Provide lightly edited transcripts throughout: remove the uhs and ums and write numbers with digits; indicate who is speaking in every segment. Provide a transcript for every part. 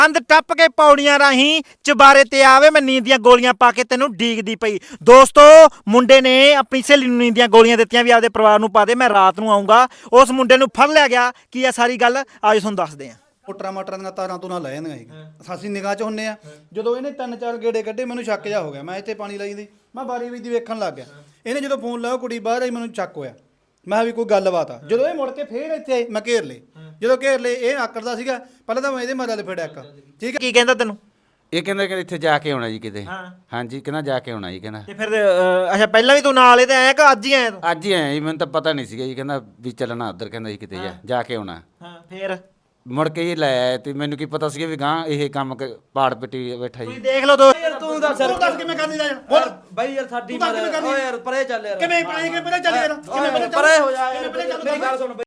Speaker 1: ਕੰਧ ਟੱਪ ਕੇ ਪੌੜੀਆਂ ਰਾਹੀਂ ਚੁਬਾਰੇ ਤੇ ਆਵੇ ਮੈਂ ਨੀਂਦ ਦੀਆਂ ਗੋਲੀਆਂ ਪਾ ਕੇ ਤੈਨੂੰ ਡੀਕਦੀ ਪਈ। ਦੋਸਤੋ ਮੁੰਡੇ ਨੇ ਆਪਣੀ ਸਹੇਲੀ ਨੂੰ ਨੀਂਦ ਦੀਆਂ ਗੋਲੀਆਂ ਦਿੱਤੀਆਂ ਵੀ ਆਪਦੇ ਪਰਿਵਾਰ ਨੂੰ ਪਾ ਦੇ, ਮੈਂ ਰਾਤ ਨੂੰ ਆਉਂਗਾ। ਉਸ ਮੁੰਡੇ ਨੂੰ ਫੜ ਲਿਆ ਗਿਆ। ਕੀ ਆ ਸਾਰੀ ਗੱਲ ਆਜੋ ਤੁਹਾਨੂੰ ਦੱਸਦੇ ਆ।
Speaker 2: ਮੋਟਰਾਂ ਦੀਆਂ ਤਾਰਾਂ ਤੋਂ ਨਾ ਲੈ ਜਾਂਦੀਆਂ ਸੀ, ਅਸੀਂ ਨਿਗਾਹ 'ਚ ਹੁੰਨੇ ਆ। ਜਦੋਂ ਇਹਨੇ 3-4 ਗੇੜੇ ਕੱਢੇ ਮੈਨੂੰ ਸ਼ੱਕ ਜਾ ਹੋ ਗਿਆ। ਮੈਂ ਇੱਥੇ ਪਾਣੀ ਲਾਈ ਦੀ, ਮੈਂ ਬਾਰੀ ਵਿੱਚ ਦੀ ਵੇਖਣ ਲੱਗ ਗਿਆ। ਇਹਨੇ ਜਦੋਂ ਫੋਨ ਲਾਇਆ ਕੁੜੀ ਬਾਹਰ ਆਈ, ਮੈਨੂੰ ਚੱਕ ਹੋਇਆ। ਮੈਂ ਕਿਹਾ ਵੀ ਕੋਈ ਗੱਲਬਾਤ ਆ। ਜਦੋਂ ਇਹ ਮੁੜ ਕੇ ਫੇਰ ਇੱਥੇ ਆਈ, ਮੈਂ ਘੇਰ ਲਏ। ਜਦੋਂ ਘੇਰ ਲਏ ਇਹ ਆਕੜਦਾ ਸੀਗਾ। ਪਹਿਲਾਂ ਤਾਂ ਮੈਂ ਇਹਦੇ ਮਾਰਾ ਫੇੜਿਆ ਇੱਕ, ਠੀਕ ਹੈ।
Speaker 1: ਕੀ ਕਹਿੰਦਾ ਤੈਨੂੰ?
Speaker 3: ਇਹ ਕਹਿੰਦਾ ਕਿ ਇੱਥੇ ਜਾ ਕੇ ਆਉਣਾ ਜੀ ਕਿਤੇ। ਹਾਂਜੀ ਕਹਿੰਦਾ ਜਾ ਕੇ ਆਉਣਾ ਜੀ ਕਹਿੰਦਾ।
Speaker 1: ਤੇ ਫਿਰ ਅੱਛਾ ਪਹਿਲਾਂ ਵੀ ਤੂੰ ਨਾਲ ਇਹਦੇ ਆਇਆ ਕਿ ਅੱਜ ਹੀ ਆਇਆ ਤੂੰ?
Speaker 3: ਅੱਜ ਹੀ ਆਇਆ ਜੀ, ਮੈਨੂੰ ਤਾਂ ਪਤਾ ਨਹੀਂ ਸੀਗਾ ਜੀ। ਕਹਿੰਦਾ ਵੀ ਚੱਲਣਾ ਉੱਧਰ, ਕਹਿੰਦਾ ਜੀ ਕਿਤੇ ਜਾ ਕੇ ਆਉਣਾ।
Speaker 1: ਹਾਂ ਫਿਰ
Speaker 3: ਮੁੜ ਕੇ ਹੀ ਲੈ ਆਇਆ ਤੇ ਮੈਨੂੰ ਕੀ ਪਤਾ ਸੀਗਾ ਵੀ ਗਾਂ ਇਹ ਕੰਮ ਪਾੜ ਪਿੱਟੀ ਬੈਠਾ ਜੀ।
Speaker 1: ਤੁਸੀਂ ਦੇਖ ਲਓ ਦੋ
Speaker 4: ਤੂੰ ਦੱਸ
Speaker 2: ਕਿਵੇਂ ਕਰਨੀ ਜਾ ਬੋਲ
Speaker 4: ਬਾਈ ਯਾਰ ਸਾਡੀ ਓਏ ਯਾਰ ਪਰੇ ਚੱਲ ਯਾਰ
Speaker 2: ਕਿਵੇਂ ਪਰੇ ਚੱਲ ਯਾਰ
Speaker 4: ਪਰੇ ਹੋ ਜਾ ਯਾਰ ਮੇਰੀ ਗੱਲ ਸੁਣ।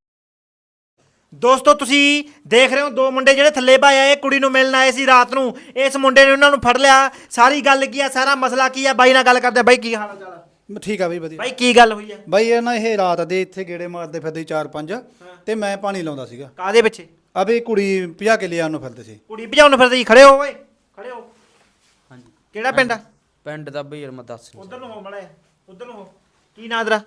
Speaker 1: ਦੋਸਤੋ ਤੁਸੀਂ ਦੇਖ ਰਹੇ ਹੋ ਦੋ ਮੁੰਡੇ ਜਿਹੜੇ ਥੱਲੇ ਭਾਏ ਆਏ ਕੁੜੀ ਨੂੰ ਮਿਲਣ ਆਏ ਸੀ ਰਾਤ ਨੂੰ। ਇਸ ਮੁੰਡੇ ਨੇ ਉਹਨਾਂ ਨੂੰ ਫੜ ਲਿਆ। ਸਾਰੀ ਗੱਲ ਕੀ ਆ, ਸਾਰਾ ਮਸਲਾ ਕੀ ਆ, ਬਾਈ ਨਾਲ ਗੱਲ ਕਰਦੇ। ਬਾਈ ਕੀ ਹਾਲ ਚਾਲ?
Speaker 2: ਠੀਕ ਆ ਬਈ ਵਧੀਆ।
Speaker 1: ਬਾਈ ਕੀ ਗੱਲ ਹੋਈ ਆ?
Speaker 2: ਬਾਈ ਇਹ ਨਾ ਇਹ ਰਾਤ ਦੇ ਇੱਥੇ ਗੇੜੇ ਮਾਰਦੇ ਫਿਰਦੇ 4-5 ਤੇ ਮੈਂ ਪਾਣੀ ਲਾਉਂਦਾ ਸੀਗਾ।
Speaker 1: ਕਾਦੇ ਪਿੱਛੇ?
Speaker 2: ਅਬੇ ਕੁੜੀ ਭਜਾ ਕੇ ਲਿਆਉਣ ਨੂੰ ਫਿਰਦੇ ਸੀ।
Speaker 1: ਕੁੜੀ ਭਜਾਉਣ ਫਿਰਦੇ ਜੀ। ਖੜੇ ਹੋ ਓਏ, ਖੜੇ ਹੋ।
Speaker 4: ਹਾਂਜੀ
Speaker 1: ਕਿਹੜਾ ਪਿੰਡ ਆ?
Speaker 4: ਪਿੰਡ ਦਾ ਬਈ ਯਾਰ ਮੈਂ ਦੱਸ
Speaker 1: ਉਧਰ ਨੂੰ ਹੋ ਮੜਾ, ਉਧਰ ਨੂੰ ਹੋ। ਕੀ ਨਾਂ ਤੇਰਾ?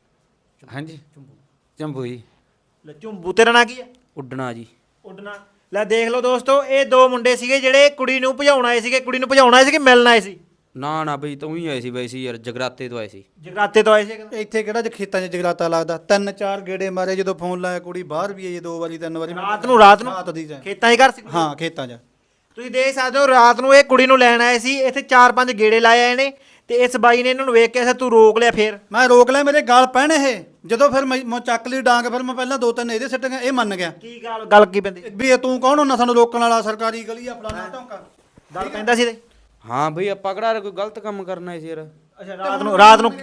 Speaker 3: ਹਾਂਜੀ ਚੰਬੂ ਜੀ।
Speaker 1: ਲੈ ਝੁੰਬੂ, ਤੇਰਾ ਨਾਂ ਕੀ ਆ?
Speaker 4: ਉੱਡਣਾ ਜੀ।
Speaker 1: ਉੱਡਣਾ। ਲੈ ਦੇਖ ਲਓ ਦੋਸਤੋ, ਇਹ ਦੋ ਮੁੰਡੇ ਸੀਗੇ ਜਿਹੜੇ ਕੁੜੀ ਨੂੰ ਭਜਾਉਣ ਆਏ ਸੀਗੇ। ਕੁੜੀ ਨੂੰ ਭਜਾਉਣ ਆਏ ਸੀ ਕਿ ਮਿਲਣ ਆਏ ਸੀ?
Speaker 4: ਨਾ ਬਈ ਤੂੰ ਹੀ ਆਏ ਸੀ ਬਾਈ ਸੀ ਯਾਰ, ਜਗਰਾਤੇ ਤੋਂ ਆਏ ਸੀ।
Speaker 1: ਜਗਰਾਤੇ ਤੋਂ ਆਏ ਸੀ?
Speaker 2: ਇੱਥੇ ਕਿਹੜਾ ਖੇਤਾਂ 'ਚ ਜਗਰਾਤਾ ਲੱਗਦਾ। 3-4 ਗੇੜੇ ਮਾਰੇ। ਜਦੋਂ ਫੋਨ ਲਾਇਆ ਕੁੜੀ ਬਾਹਰ ਵੀ ਆਈ 2 ਵਾਰੀ 3 ਵਾਰੀ।
Speaker 1: ਰਾਤ ਨੂੰ? ਰਾਤ ਨੂੰ
Speaker 2: ਰਾਤ ਦੀ
Speaker 1: ਖੇਤਾਂ 'ਚ ਘਰ ਸੀ?
Speaker 2: ਹਾਂ ਖੇਤਾਂ 'ਚ।
Speaker 1: ਤੁਸੀਂ ਦੇਖ ਸਕਦੇ ਹੋ ਰਾਤ ਨੂੰ ਇਹ ਕੁੜੀ ਨੂੰ ਲੈਣ ਆਏ ਸੀ। ਇੱਥੇ 4-5 ਗੇੜੇ ਲਾਏ ਆਏ ਨੇ ਤੇ ਇਸ ਬਾਈ ਨੇ ਇਹਨਾਂ ਨੂੰ ਵੇਖ ਕੇ ਐਸਾ ਤੂੰ ਰੋਕ ਲਿਆ। ਫੇਰ
Speaker 2: ਮੈਂ ਰੋਕ ਲਿਆ, ਮੇਰੇ ਗਾਲ ਪੈਣ ਇਹ। ਜਦੋਂ ਫਿਰ ਮੈਂ ਚੱਕ ਲਈ ਡਾਂਗ, ਫਿਰ ਮੈਂ ਪਹਿਲਾਂ 2-3 ਇਹਦੇ ਸਿੱਟ ਗਿਆ। ਇਹ ਮੰਨ ਗਿਆ।
Speaker 1: ਕੀ ਗੱਲ ਕੀ ਪੈਂਦੀ?
Speaker 2: ਵੀ ਇਹ ਤੂੰ ਕੌਣ ਹੁੰਦਾ ਸਾਨੂੰ ਰੋਕਣ ਵਾਲਾ? ਸਰਕਾਰੀ ਗਲੀ ਆ ਫਲਾਣਾ ਢੌਂਕਾ
Speaker 1: ਗੱਲ ਪੈਂਦਾ ਸੀ ਤੇ?
Speaker 4: ਹਾਂ ਬਈ ਆਪਾਂ ਕਿਹੜਾ ਕੋਈ ਗਲਤ ਕੰਮ ਕਰਨਾ ਸੀ ਯਾਰ।
Speaker 1: ਅੱਛਾ ਰਾਤ ਨੂੰ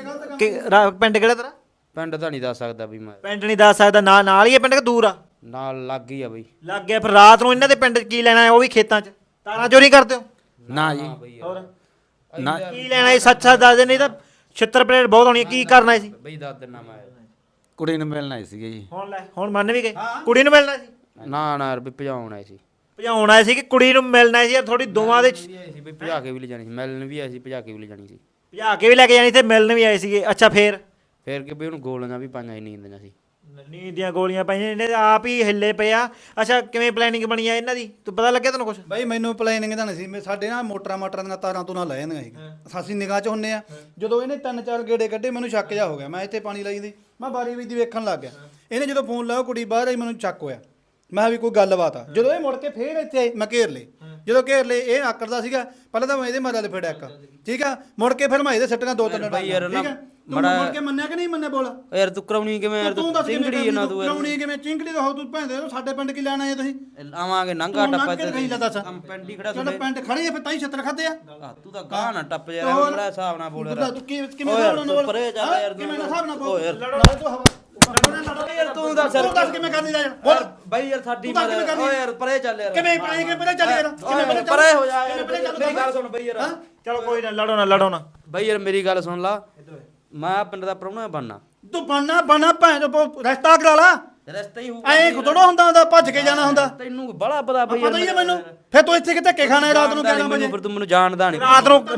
Speaker 1: ਪਿੰਡ ਕਿਹੜਾ ਤੇਰਾ?
Speaker 4: ਪਿੰਡ ਤਾਂ ਨਹੀਂ ਦੱਸ ਸਕਦਾ ਵੀ ਮੈਂ।
Speaker 1: ਪਿੰਡ ਨਹੀਂ ਦੱਸ ਸਕਦਾ? ਨਾਲ ਹੀ ਹੈ ਪਿੰਡ ਕਿ ਦੂਰ ਆ?
Speaker 4: ਨਾਲ ਲੱਗ ਗਈ ਆ ਬਈ।
Speaker 1: ਲੱਗ ਗਿਆ। ਫਿਰ ਰਾਤ ਨੂੰ ਇਹਨਾਂ ਦੇ ਪਿੰਡ 'ਚ ਕੀ ਲੈਣਾ ਹੈ? ਉਹ ਵੀ ਖੇਤਾਂ 'ਚ ਤਾਰਾਂ ਚੋਰੀ ਕਰਦੇ ਹੋ?
Speaker 3: ਨਾ ਜੀ
Speaker 1: ਹੋਰ
Speaker 3: ਨਾ।
Speaker 1: ਕੀ ਲੈਣਾ ਹੈ? ਸੱਚ ਦੱਸ ਦੇ, ਨਹੀਂ ਤਾਂ ਛਿੱਤਰ ਪਲੇਟ ਬਹੁਤ ਹੋਣੀ ਹੈ। ਕੀ ਕਰਨਾ ਸੀ?
Speaker 4: ਬਈ ਦੱਸ ਦਿਨਾ ਮੈਂ।
Speaker 3: ਕੁੜੀ ਨੂੰ ਮਿਲਣ ਆਏ ਸੀਗੇ ਜੀ।
Speaker 1: ਹੁਣ ਮੰਨ ਵੀ ਗਏ ਕੁੜੀ ਨੂੰ ਮਿਲਣਾ ਸੀ?
Speaker 4: ਨਾ ਯਾਰ ਵੀ ਭਜਾਉਣ ਆਏ ਸੀ।
Speaker 1: ਭਜਾਉਣ ਆਏ ਸੀ ਕਿ ਕੁੜੀ ਨੂੰ ਮਿਲਣਾ ਸੀ? ਯਾਰ ਥੋੜੀ ਦੋਵਾਂ ਦੇ
Speaker 4: ਸੀ ਬਈ ਭਜਾ ਕੇ ਵੀ ਲੈ ਜਾਣੀ ਸੀ, ਮਿਲਣ ਵੀ ਆਏ ਸੀ, ਭਜਾ ਕੇ ਵੀ ਲੈ ਜਾਣੀ ਸੀ।
Speaker 1: ਭਜਾ ਕੇ ਵੀ ਲੈ ਕੇ ਜਾਣੀ ਤੇ ਮਿਲਣ ਵੀ ਆਏ ਸੀਗੇ। ਅੱਛਾ ਫੇਰ
Speaker 4: ਕਿ ਬਈ ਉਹਨੂੰ ਗੋਲੀਆਂ ਵੀ ਪਾਈਆਂ ਸੀ, ਨੀਂਦ ਦੀਆਂ ਸੀ।
Speaker 1: ਨੀਂਦ ਦੀਆਂ ਗੋਲੀਆਂ ਪਾਈਆਂ ਇਹਨੇ ਆਪ ਹੀ ਹਿੱਲੇ ਪਏ ਆ। ਅੱਛਾ ਕਿਵੇਂ ਪਲੈਨਿੰਗ ਬਣੀ ਆ ਇਹਨਾਂ ਦੀ? ਤੂੰ ਪਤਾ ਲੱਗਿਆ ਤੈਨੂੰ ਕੁਛ?
Speaker 2: ਬਾਈ ਮੈਨੂੰ ਪਲੈਨਿੰਗ ਤਾਂ ਨਹੀਂ ਸੀ। ਸਾਡੇ ਨਾ ਮੋਟਰਾਂ ਦੀਆਂ ਤਾਰਾਂ ਤੋਂ ਨਾ ਲੈ ਜਾਂਦੀਆਂ ਸੀ, ਅਸੀਂ ਨਿਗਾਹ 'ਚ ਹੁੰਨੇ ਆ। ਜਦੋਂ ਇਹਨੇ 3-4 ਗੇੜੇ ਕੱਢੇ ਮੈਨੂੰ ਸ਼ੱਕ ਜਾ ਹੋ ਗਿਆ। ਮੈਂ ਇੱਥੇ ਪਾਣੀ ਲਾਈ ਦੀ, ਮੈਂ ਬਾਰੀ ਵਿੱਚ ਦੀ ਵੇਖਣ ਲੱਗ ਗਿਆ। ਇਹਨੇ ਜਦੋਂ ਫੋਨ ਲਾਇਆ ਕੁੜੀ ਬਾਹਰ ਆਈ, ਮੈਨੂੰ ਚੱਕ ਹੋਇਆ। ਮੈਂ ਕਿਹਾ ਵੀ ਕੋਈ ਗੱਲਬਾਤ ਆ। ਜਦੋਂ ਇਹ ਮੁੜ ਕੇ ਫੇਰ ਇੱਥੇ ਆਈ, ਮੈਂ ਘੇਰ ਲਏ। ਜਦੋਂ ਘੇਰ ਲਏ ਇਹ ਆਕੜਦਾ ਸੀਗਾ। ਪਹਿਲਾਂ ਤਾਂ ਮੈਂ ਇਹਦੇ ਮਾਰਾ ਫੇੜਿਆ ਇੱਕ, ਠੀਕ ਆ। ਮੁੜ ਕੇ ਫਿਰ ਮੈਂ ਇਹਦੇ ਸਿੱਟੀਆਂ 2-3
Speaker 4: ਬਾਈ ਯਾਰ ਨਾ
Speaker 2: ਠੀਕ ਆ। ਤੂੰ ਮੁੜ ਕੇ ਮੰਨਿਆ ਕਿ ਨਹੀਂ ਮੰਨਿਆ? ਬੋਲ
Speaker 4: ਯਾਰ ਤੂੰ ਕਰਾਉਣੀ ਕਿਵੇਂ ਯਾਰ?
Speaker 2: ਤੂੰ ਦੱਸ
Speaker 4: ਚਿੰਗੜੀ ਨਾ ਤੂੰ
Speaker 2: ਕਰਾਉਣੀ ਕਿਵੇਂ? ਚਿੰਗੜੀ ਦਾ ਹੋ ਤੂੰ ਭੈਂਦੇ ਸਾਡੇ ਪਿੰਡ ਕੀ ਲੈਣ ਆਏ ਤੁਸੀਂ?
Speaker 4: ਆਵਾਂਗੇ ਨੰਗਾ ਟੱਪਾ
Speaker 2: ਤੇ ਨਹੀਂ ਲੈ ਦੱਸ।
Speaker 4: ਪਿੰਡ ਹੀ ਖੜਾ
Speaker 2: ਚਲੋ ਪਿੰਡ ਖੜੇ ਆ ਫਿਰ ਤਾਂ ਹੀ ਛੱਤਰ ਖਾਦੇ ਆ।
Speaker 4: ਤੂੰ ਤਾਂ ਗਾਹ ਨਾ ਟੱਪ ਯਾਰ, ਬੜਾ ਹਿਸਾਬ ਨਾਲ ਬੋਲ ਯਾਰ।
Speaker 2: ਤੂੰ ਕਿਵੇਂ ਹਿਸਾਬ ਨਾਲ ਬੋਲ?
Speaker 4: ਪਰੇ ਚੱਲ ਯਾਰ,
Speaker 2: ਕਿਵੇਂ ਹਿਸਾਬ ਨਾਲ ਬੋਲ?
Speaker 4: ਓ ਯਾਰ
Speaker 2: ਨਾਲੇ ਤੂੰ ਹਵਾ
Speaker 4: ਯਾਰ ਤੂੰ ਦੱਸ
Speaker 2: ਕਿਵੇਂ ਕਰਨੀ ਜਾ ਬੋਲ।
Speaker 4: ਬਾਈ ਯਾਰ ਸਾਡੀ ਓ ਯਾਰ ਪਰੇ ਚੱਲ ਯਾਰ।
Speaker 2: ਕਿਵੇਂ ਪਰੇ ਚੱਲ ਯਾਰ? ਕਿਵੇਂ
Speaker 4: ਪਰੇ ਹੋ ਜਾ ਯਾਰ, ਮੇਰੀ ਗੱਲ ਸੁਣ ਬਈ ਯਾਰ।
Speaker 1: ਚਲੋ ਕੋਈ ਨਾ, ਲੜੋ ਨਾ।
Speaker 4: ਬਾਈ ਯਾਰ ਮੇਰੀ ਗੱਲ ਸੁਣ ਲਾ, ਮੈਂ ਪਿੰਡ ਦਾ ਪ੍ਰਾਹੁਣਾ ਬਣਨਾ।
Speaker 2: ਤੂੰ ਬਣਨਾ ਭੈਣ ਰਸਤਾ ਕਰਾ ਲਾ।
Speaker 4: ਰਸਤਾ ਹੀ
Speaker 2: ਐ ਥੋੜਾ ਹੁੰਦਾ ਭੱਜ ਕੇ ਜਾਣਾ ਹੁੰਦਾ।
Speaker 4: ਤੈਨੂੰ ਬੜਾ ਪਤਾ ਬਈ
Speaker 2: ਪਤਾ ਹੀ ਹੈ ਮੈਨੂੰ। ਫਿਰ ਤੂੰ ਇੱਥੇ ਕਿ ਧੱਕੇ ਖਾਣਾ ਰਾਤ ਨੂੰ 11 ਵਜੇ?
Speaker 4: ਫਿਰ ਤੂੰ ਮੈਨੂੰ ਜਾਣਦਾ ਨਹੀਂ।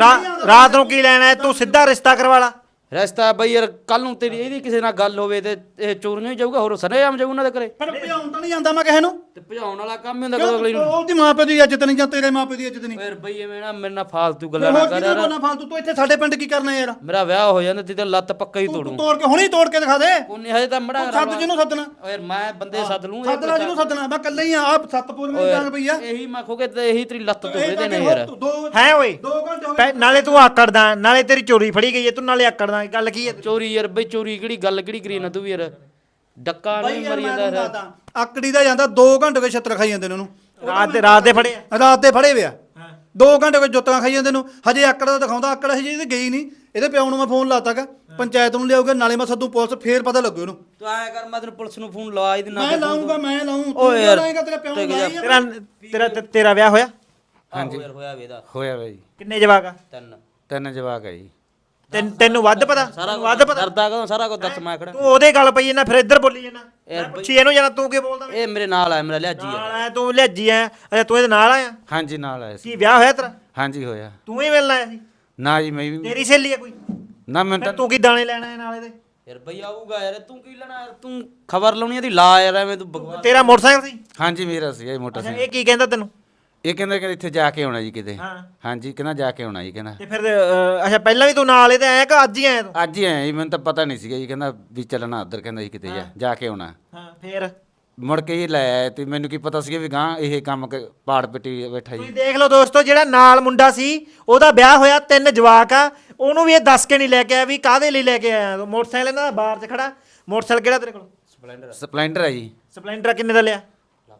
Speaker 1: ਰਾਤ ਨੂੰ ਕੀ ਲੈਣਾ ਹੈ? ਤੂੰ ਸਿੱਧਾ ਰਿਸ਼ਤਾ ਕਰਵਾ ਲਾ।
Speaker 4: ਰਸਤਾ ਬਈ ਯਾਰ ਕੱਲ ਨੂੰ ਤੇਰੀ ਇਹਦੀ ਕਿਸੇ ਨਾਲ ਗੱਲ ਹੋਵੇ ਤੇ ਇਹ ਚੋਰੀਆਂ ਹੀ ਜਾਊਗਾ, ਹੋਰ ਸਰੇਆਮ ਜਾਊ ਉਹਨਾਂ ਦੇ ਘਰੇ।
Speaker 2: ਪਰ ਭਜਾਉਣ ਤਾਂ ਨਹੀਂ ਜਾਂਦਾ ਮੈਂ ਕਿਸੇ ਨੂੰ।
Speaker 4: ਤੇ ਭਜਾਉਣ ਵਾਲਾ ਕੰਮ ਹੀ ਹੁੰਦਾ ਕਦੋਂ ਅਗਲੀ ਨੂੰ।
Speaker 2: ਉਹਦੀ ਮਾਂ ਪਿਓ ਦੀ ਇੱਜ਼ਤ ਨਹੀਂ ਜਾਂ ਤੇਰੇ ਮਾਂ ਪਿਓ ਦੀ ਇੱਜ਼ਤ ਨਹੀਂ।
Speaker 4: ਫਿਰ ਬਈ ਐਵੇਂ ਨਾ ਮੇਰੇ ਨਾਲ ਫਾਲਤੂ ਗੱਲਾਂ ਨਾ
Speaker 2: ਹੋਰ
Speaker 4: ਕਰ
Speaker 2: ਕਿਹਨੂੰ
Speaker 4: ਯਾਰ।
Speaker 2: ਬੋਲਣਾ ਫਾਲਤੂ? ਤੂੰ ਇੱਥੇ ਸਾਡੇ ਪਿੰਡ ਕੀ ਕਰਨਾ ਯਾਰ?
Speaker 4: ਮੇਰਾ ਵਿਆਹ ਹੋ ਜਾਂਦਾ ਤੇ ਲੱਤ ਪੱਕਾ ਹੀ
Speaker 2: ਤੂੰ
Speaker 4: ਤੋੜੂ।
Speaker 2: ਤੋੜ ਕੇ ਹੁਣੀ ਤੋੜ ਕੇ ਦਿਖਾ ਦੇ।
Speaker 4: ਕੋਨੇ ਹਜੇ ਤਾਂ ਮੜਾ
Speaker 2: ਸੱਦ ਜਿਹਨੂੰ ਸੱਦਣਾ।
Speaker 4: ਓ ਯਾਰ ਮੈਂ ਬੰਦੇ ਸੱਦ ਲੂੰ।
Speaker 2: ਸੱਦਣਾ ਜਿਹਨੂੰ ਸੱਦਣਾ। ਮੈਂ ਇਕੱਲਾ ਹੀ ਆ। ਆਪ ਸੱਤ ਪੂਰੀਆਂ ਦੀ ਡਾਂਗ ਪਈ ਆ।
Speaker 4: ਇਹੀ ਮੈਂ ਖੋਗੇ ਤੇ ਇਹੀ ਤੇਰੀ ਲੱਤ ਤੋੜੇ ਨੇ ਯਾਰ।
Speaker 1: ਹੈ ਓਏ
Speaker 2: 2 ਘੰਟੇ ਹੋ ਗਏ।
Speaker 1: ਨਾਲੇ ਤੂੰ ਆਕੜਦਾ, ਨਾਲੇ ਤੇਰੀ ਚੋਰੀ ਫੜੀ ਗਈ ਹੈ, ਤੂੰ ਨਾਲੇ ਆਕੜਦਾ। ਗੱਲ ਕੀ ਹੈ?
Speaker 4: ਚੋਰੀ ਯਾਰ ਬਈ ਚੋਰੀ ਕਿਹੜੀ ਗੱਲ ਕਿਹੜੀ ਕਰੀ ਨਾ ਤੂੰ ਵੀ ਯਾਰ। ਡੱਕਾ ਨਹੀਂ ਮਰੀ ਜਾਂਦਾ।
Speaker 2: ਆਕੜੀ ਦਾ ਜਾਂਦਾ 2 ਘੰਟੇ ਵਿੱਚ ਛੱਤਰ ਖਾਈ ਜਾਂਦੇ ਨੇ ਉਹਨੂੰ।
Speaker 1: ਰਾਤ ਦੇ ਫੜੇ ਆ?
Speaker 2: ਰਾਤ ਦੇ ਫੜੇ ਵਿਆ 2 ਘੰਟੇ ਵਿੱਚ ਜੁੱਤਾਂ ਖਾਈ ਜਾਂਦੇ ਨੂੰ। ਹਜੇ ਆਕੜ ਦਾ ਦਿਖਾਉਂਦਾ। ਆਕੜ ਹਜੇ ਇਹਦੇ ਗਈ ਨਹੀਂ। ਇਹਦੇ ਪਿਓ ਨੂੰ ਮੈਂ ਫੋਨ ਲਾਤਾਗਾ, ਪੰਚਾਇਤ ਨੂੰ ਲਿਆਉਗਾ, ਨਾਲੇ ਮੈਂ ਸੱਦੂ ਪੁਲਿਸ, ਫੇਰ ਪਤਾ ਲੱਗੂ ਇਹਨੂੰ।
Speaker 4: ਤੂੰ ਐਂ ਕਰ ਮੈਂ ਤੈਨੂੰ ਪੁਲਿਸ ਨੂੰ ਫੋਨ ਲਵਾ ਹੀ ਦਿਨਾ।
Speaker 2: ਮੈਂ ਲਾਉਂਗਾ, ਮੈਂ ਲਾਉਂ।
Speaker 4: ਓ ਯਾਰ
Speaker 2: ਤੇਰੇ ਪਿਓ ਨੂੰ ਲਾਈ ਆ।
Speaker 1: ਤੇਰਾ ਵਿਆਹ ਹੋਇਆ?
Speaker 4: ਹਾਂਜੀ ਯਾਰ ਹੋਇਆ ਵੇ ਦਾ।
Speaker 3: ਹੋਇਆ ਵਾ ਜੀ।
Speaker 1: ਕਿੰਨੇ ਜਵਾਕ ਆ?
Speaker 4: 3
Speaker 3: 3 ਜਵਾਕ ਆ ਜੀ।
Speaker 1: ਤੈਨੂੰ ਵੱਧ ਪਤਾ ਵੱਧ ਪਤਾ
Speaker 4: ਡਰਦਾ ਕਦੋਂ ਸਾਰਾ ਕੁਝ ਦੱਸ ਮੈਂ ਖੜਾ
Speaker 1: ਤੂੰ ਉਹਦੇ ਗੱਲ ਪਈ ਜਾਂਦਾ ਫਿਰ ਇੱਧਰ ਬੋਲੀ ਜਾਂਦਾ ਮੈਂ ਪੁੱਛੀ ਇਹਨੂੰ ਜਾਣਾ ਤੂੰ ਕੀ ਬੋਲਦਾ
Speaker 4: ਇਹ ਮੇਰੇ ਨਾਲ ਆ ਮੇਰਾ ਲਿਆਜੀ ਆ
Speaker 1: ਨਾਲ ਆਇਆ ਤੂੰ ਲਿਆਜੀ ਆ ਅੱਛਾ ਤੂੰ ਇਹਦੇ ਨਾਲ ਆਇਆ
Speaker 3: ਹਾਂਜੀ ਨਾਲ ਆਇਆ ਸੀ।
Speaker 1: ਕੀ ਵਿਆਹ ਹੋਇਆ ਤੇਰਾ
Speaker 3: ਹਾਂਜੀ ਹੋਇਆ।
Speaker 1: ਤੂੰ ਹੀ ਮਿਲਣ ਆਇਆ ਸੀ
Speaker 3: ਨਾ ਜੀ ਮੈਂ ਵੀ
Speaker 1: ਤੇਰੀ ਸਹੇਲੀ ਆ ਕੋਈ
Speaker 3: ਨਾ ਮੈਂ
Speaker 1: ਫਿਰ
Speaker 3: ਤਾਂ
Speaker 1: ਤੂੰ ਕੀ ਦਾਣੇ ਲੈਣਾ ਹੈ ਨਾਲ ਇਹਦੇ
Speaker 4: ਯਾਰ ਬਈ ਆਊਗਾ ਯਾਰ ਤੂੰ ਕੀ ਲੈਣਾ ਯਾਰ ਤੂੰ ਖਬਰ ਲਾਉਣੀ ਇਹਦੀ ਲਾ ਯਾਰ ਐਵੇਂ ਤੂੰ ਬਕਵਾਸ
Speaker 1: ਤੇਰਾ ਮੋਟਰਸਾਈਕਲ ਸੀ
Speaker 3: ਹਾਂਜੀ ਮੇਰਾ ਸੀ ਇਹ
Speaker 1: ਅੱਛਾ
Speaker 3: ਮੋਟਰਸਾਈਕਲ।
Speaker 1: ਇਹ ਕੀ ਕਹਿੰਦਾ ਤੈਨੂੰ
Speaker 3: ਇਹ ਕਹਿੰਦਾ ਕਿ ਇੱਥੇ ਜਾ ਕੇ ਆਉਣਾ ਜੀ ਕਿਤੇ।
Speaker 1: ਹਾਂ
Speaker 3: ਹਾਂਜੀ ਕਹਿੰਦਾ ਜਾ ਕੇ ਆਉਣਾ ਜੀ ਕਹਿੰਦਾ।
Speaker 1: ਤੇ ਫਿਰ ਅੱਛਾ ਪਹਿਲਾਂ ਵੀ ਤੂੰ ਨਾਲ ਇਹਦੇ ਆਇਆ ਕਿ ਅੱਜ ਹੀ ਆਇਆ ਤੂੰ
Speaker 3: ਅੱਜ ਹੀ ਆਇਆ ਜੀ ਮੈਨੂੰ ਤਾਂ ਪਤਾ ਨਹੀਂ ਸੀਗਾ ਜੀ ਕਹਿੰਦਾ ਵੀ ਚੱਲਣਾ ਉੱਧਰ ਕਹਿੰਦਾ ਜੀ ਕਿਤੇ ਜਾ ਕੇ ਆਉਣਾ।
Speaker 1: ਹਾਂ ਫਿਰ
Speaker 3: ਮੁੜ ਕੇ ਇਹ ਲੈ ਆਇਆ ਤੇ ਮੈਨੂੰ ਕੀ ਪਤਾ ਸੀਗਾ ਵੀ ਗਾਂ ਇਹ ਕੰਮ ਪਾੜ ਪਿੱਟੀ ਬੈਠਾ ਜੀ।
Speaker 1: ਤੁਸੀਂ ਦੇਖ ਲਓ ਦੋਸਤੋ ਜਿਹੜਾ ਨਾਲ ਮੁੰਡਾ ਸੀ ਉਹਦਾ ਵਿਆਹ ਹੋਇਆ 3 ਜਵਾਕ ਆ ਉਹਨੂੰ ਵੀ ਇਹ ਦੱਸ ਕੇ ਨਹੀਂ ਲੈ ਕੇ ਆਇਆ ਵੀ ਕਾਹਦੇ ਲਈ ਲੈ ਕੇ ਆਇਆ ਤੂੰ ਮੋਟਰਸਾਈਕਲ ਇਹਨਾਂ ਦਾ ਬਾਹਰ 'ਚ ਖੜਾ ਮੋਟਰਸਾਈਕਲ ਕਿਹੜਾ ਤੇਰੇ ਕੋਲ
Speaker 3: ਸਪਲੈਂਡਰ ਹੈ ਜੀ
Speaker 1: ਸਪਲੈਂਡਰ ਕਿੰਨੇ ਦਾ ਲਿਆ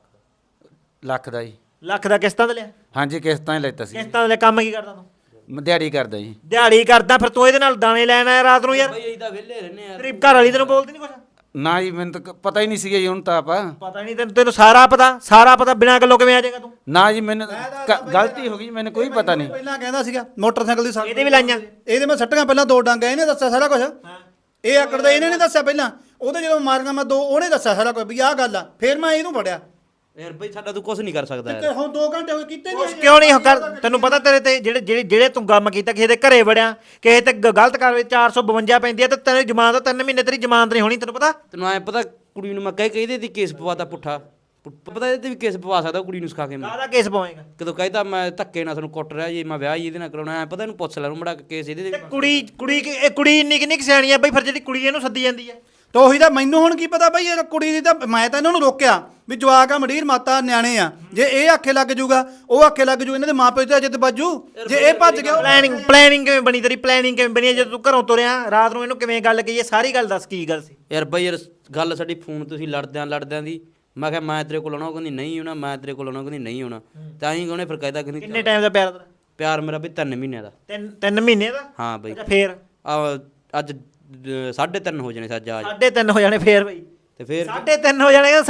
Speaker 3: ਲੱਖ ਦਾ ਜੀ।
Speaker 1: ਲੱਖ ਦਾ ਕਿਸ਼ਤਾਂ ਤੇ ਲਿਆ
Speaker 3: ਹਾਂਜੀ ਕਿਸ਼ਤਾਂ ਹੀ ਲੈਤਾ ਸੀ।
Speaker 1: ਕਿਸ਼ਤਾਂ ਦੇ ਕੰਮ ਕੀ ਕਰਦਾ ਤੂੰ
Speaker 3: ਮੈਂ ਦਿਹਾੜੀ ਕਰਦਾ ਜੀ।
Speaker 1: ਦਿਹਾੜੀ ਕਰਦਾ ਫਿਰ ਤੂੰ ਇਹਦੇ ਨਾਲ ਦਾਣੇ ਲੈਣ ਆਇਆ ਰਾਤ ਨੂੰ ਯਾਰ
Speaker 4: ਬਈ ਅਸੀਂ ਤਾਂ ਵਿਹਲੇ ਰਹਿੰਦੇ ਯਾਰ
Speaker 1: ਤੇਰੀ ਘਰ ਵਾਲੀ ਤੈਨੂੰ ਬੋਲਦੀ ਨਹੀਂ ਕੁਛ
Speaker 3: ਨਾ ਜੀ ਮੈਨੂੰ ਤਾਂ ਪਤਾ ਹੀ ਨਹੀਂ ਸੀਗਾ ਜੀ ਹੁਣ ਤਾਂ ਆਪਾਂ
Speaker 1: ਪਤਾ ਨਹੀਂ ਤੈਨੂੰ ਸਾਰਾ ਪਤਾ ਬਿਨਾਂ ਗੱਲੋਂ ਕਿਵੇਂ ਆ ਜਾਏਗਾ ਤੂੰ
Speaker 3: ਨਾ ਜੀ ਮੈਨੂੰ ਗਲਤੀ ਹੋ ਗਈ ਮੈਨੂੰ ਕੋਈ ਪਤਾ ਨਹੀਂ।
Speaker 2: ਪਹਿਲਾਂ ਕਹਿੰਦਾ ਸੀਗਾ ਮੋਟਰਸਾਈਕਲ ਦੀ ਸੱਟ
Speaker 1: ਇਹਦੇ ਵੀ ਲਾਈਆਂ
Speaker 2: ਇਹਦੇ ਮੈਂ ਸੱਟਾਂ ਪਹਿਲਾਂ 2 ਡਾਂਗਾ ਇਹਨੇ ਦੱਸਿਆ ਸਾਰਾ ਕੁਝ ਇਹ ਆਕੜ ਦਾ ਇਹਨੇ ਨਹੀਂ ਦੱਸਿਆ ਪਹਿਲਾਂ ਉਹਦੇ ਜਦੋਂ ਮਾਰੀਆਂ ਮੈਂ 2 ਉਹਨੇ ਦੱਸਿਆ ਸਾਰਾ ਕੁਝ ਵੀ ਆਹ ਗੱਲ ਆ ਫਿਰ ਮੈਂ ਇਹਨੂੰ ਫੜਿਆ
Speaker 4: ਯਾਰ ਬਈ ਸਾਡਾ ਤੂੰ ਕੁਝ ਨਹੀਂ ਕਰ ਸਕਦਾ
Speaker 2: ਤੇ
Speaker 4: ਯਾਰ
Speaker 2: ਹੁਣ 2 ਘੰਟੇ ਹੋਏ ਕੀਤੇ
Speaker 1: ਕੁਛ
Speaker 2: ਨਹੀਂ
Speaker 1: ਕਿਉਂ ਨਹੀਂ ਕਰ ਤੈਨੂੰ ਪਤਾ ਤੇਰੇ ਤੇ ਜਿਹੜੇ ਤੂੰ ਕੰਮ ਕੀਤਾ ਕਿਸੇ ਦੇ ਘਰੇ ਵੜਿਆ ਕਿਸੇ ਤੇ ਗਲਤ ਕਾਰਵਾਈ 452 ਪੈਂਦੀ ਆ ਤੇ ਤੇਰੀ ਜ਼ਮਾਨਤ 3 ਮਹੀਨੇ ਤੇਰੀ ਜ਼ਮਾਨਤ ਨਹੀਂ ਹੋਣੀ ਤੈਨੂੰ ਪਤਾ
Speaker 4: ਤੈਨੂੰ ਐ ਪਤਾ ਕੁੜੀ ਨੂੰ ਮੈਂ ਇਹਦੇ ਤੇ ਕੇਸ ਪਵਾਤਾ ਪੁੱਠਾ ਪਤਾ ਇਹਦੇ ਤੇ ਵੀ ਕੇਸ ਪਵਾ ਸਕਦਾ ਕੁੜੀ ਨੂੰ ਸਿਖਾ ਕੇ ਮੈਂ
Speaker 1: ਕਾਹਦਾ ਕੇਸ ਪਵਾਏਗਾ
Speaker 4: ਕਦੋਂ ਕਹਿੰਦਾ ਮੈਂ ਧੱਕੇ ਨਾਲ ਤੁਹਾਨੂੰ ਕੁੱਟ ਰਿਹਾ ਜੀ ਮੈਂ ਵਿਆਹ ਹੀ ਇਹਦੇ ਨਾਲ ਕਰਾਉਣਾ ਐ ਪਤਾ ਇਹਨੂੰ ਪੁੱਛ ਲੈ ਨੂੰ ਮੜਾ ਕੇਸ ਇਹਦੇ
Speaker 1: ਤੇ
Speaker 4: ਤੇ
Speaker 1: ਕੁੜੀ ਇੰਨੀ ਕਿੰਨੀ ਕੁ ਸਿਆਣੀ ਆ ਬਈ ਫਿਰ ਜਿਹੜੀ ਕੁੜੀ ਇਹਨੂੰ ਸੱਦੀ ਜਾਂਦੀ ਆ
Speaker 2: ਤਾਂ ਉਹੀ ਤਾਂ ਮੈਨੂੰ ਹੁਣ ਕੀ ਪਤਾ ਬਈ ਇਹ ਕੁੜੀ ਦੀ ਤਾਂ ਮੈਂ ਤਾਂ ਇਹਨਾਂ ਨੂੰ ਰੋਕਿਆ ਵੀ ਜਵਾਕ ਆ ਮਡੀਰ ਮਾਤਾ ਨਿਆਣੇ ਆ ਜੇ ਇਹ ਆਖੇ ਲੱਗ ਜੂਗਾ ਉਹ ਆਖੇ ਲੱਗ ਜੂ ਇਹਨਾਂ ਦੇ ਮਾਪੇ ਤੇ ਜਿੱਦ ਬਾਜੂ ਜੇ ਇਹ ਭੱਜ ਗਿਆ
Speaker 1: ਪਲੈਨਿੰਗ ਕਿਵੇਂ ਬਣੀ ਤੇਰੀ ਪਲੈਨਿੰਗ ਕਿਵੇਂ ਬਣੀ ਜਦੋਂ ਤੂੰ ਘਰੋਂ ਤੁਰਿਆ ਰਾਤ ਨੂੰ ਇਹਨੂੰ ਕਿਵੇਂ ਗੱਲ ਕਹੀ ਸਾਰੀ ਗੱਲ ਦੱਸ ਕੀ ਗੱਲ ਸੀ
Speaker 4: ਯਾਰ ਬਈ ਯਾਰ ਗੱਲ ਸਾਡੀ ਫੋਨ ਤੁਸੀਂ ਲੜਦਿਆਂ ਦੀ ਮੈਂ ਕਿਹਾ ਮੈਂ ਤੇਰੇ ਕੋਲ ਆਉਣਾ ਉਹ ਕਹਿੰਦੀ ਨਹੀਂ ਆਉਣਾ ਮੈਂ ਤੇਰੇ ਕੋਲ ਆਉਣਾ ਉਹ ਕਹਿੰਦੀ ਨਹੀਂ ਆਉਣਾ ਤਾਂ ਹੀ ਉਹਨੇ ਫਿਰ ਕਹਿਦਾ ਕਹਿੰਦੀ
Speaker 1: ਕਿੰਨੇ ਟਾਈਮ ਦਾ ਪਿਆਰ ਤੇਰਾ
Speaker 4: ਪਿਆਰ ਮੇਰਾ ਬਈ 3 ਮਹੀਨਿਆਂ ਦਾ
Speaker 1: 3 ਮਹੀਨੇ ਦਾ
Speaker 4: ਹਾਂ ਬਈ
Speaker 1: ਅੱਛਾ ਫੇਰ
Speaker 4: ਅੱਜ 3:30 ਹੋ ਜਾਣੇ ਸੱਜ ਆ
Speaker 1: 3.5 ਹੋ ਜਾਣੇ ਫੇਰ ਬਈ
Speaker 4: ਤੇ ਫਿਰ
Speaker 1: 3.5 ਹੋ ਜਾਣੇ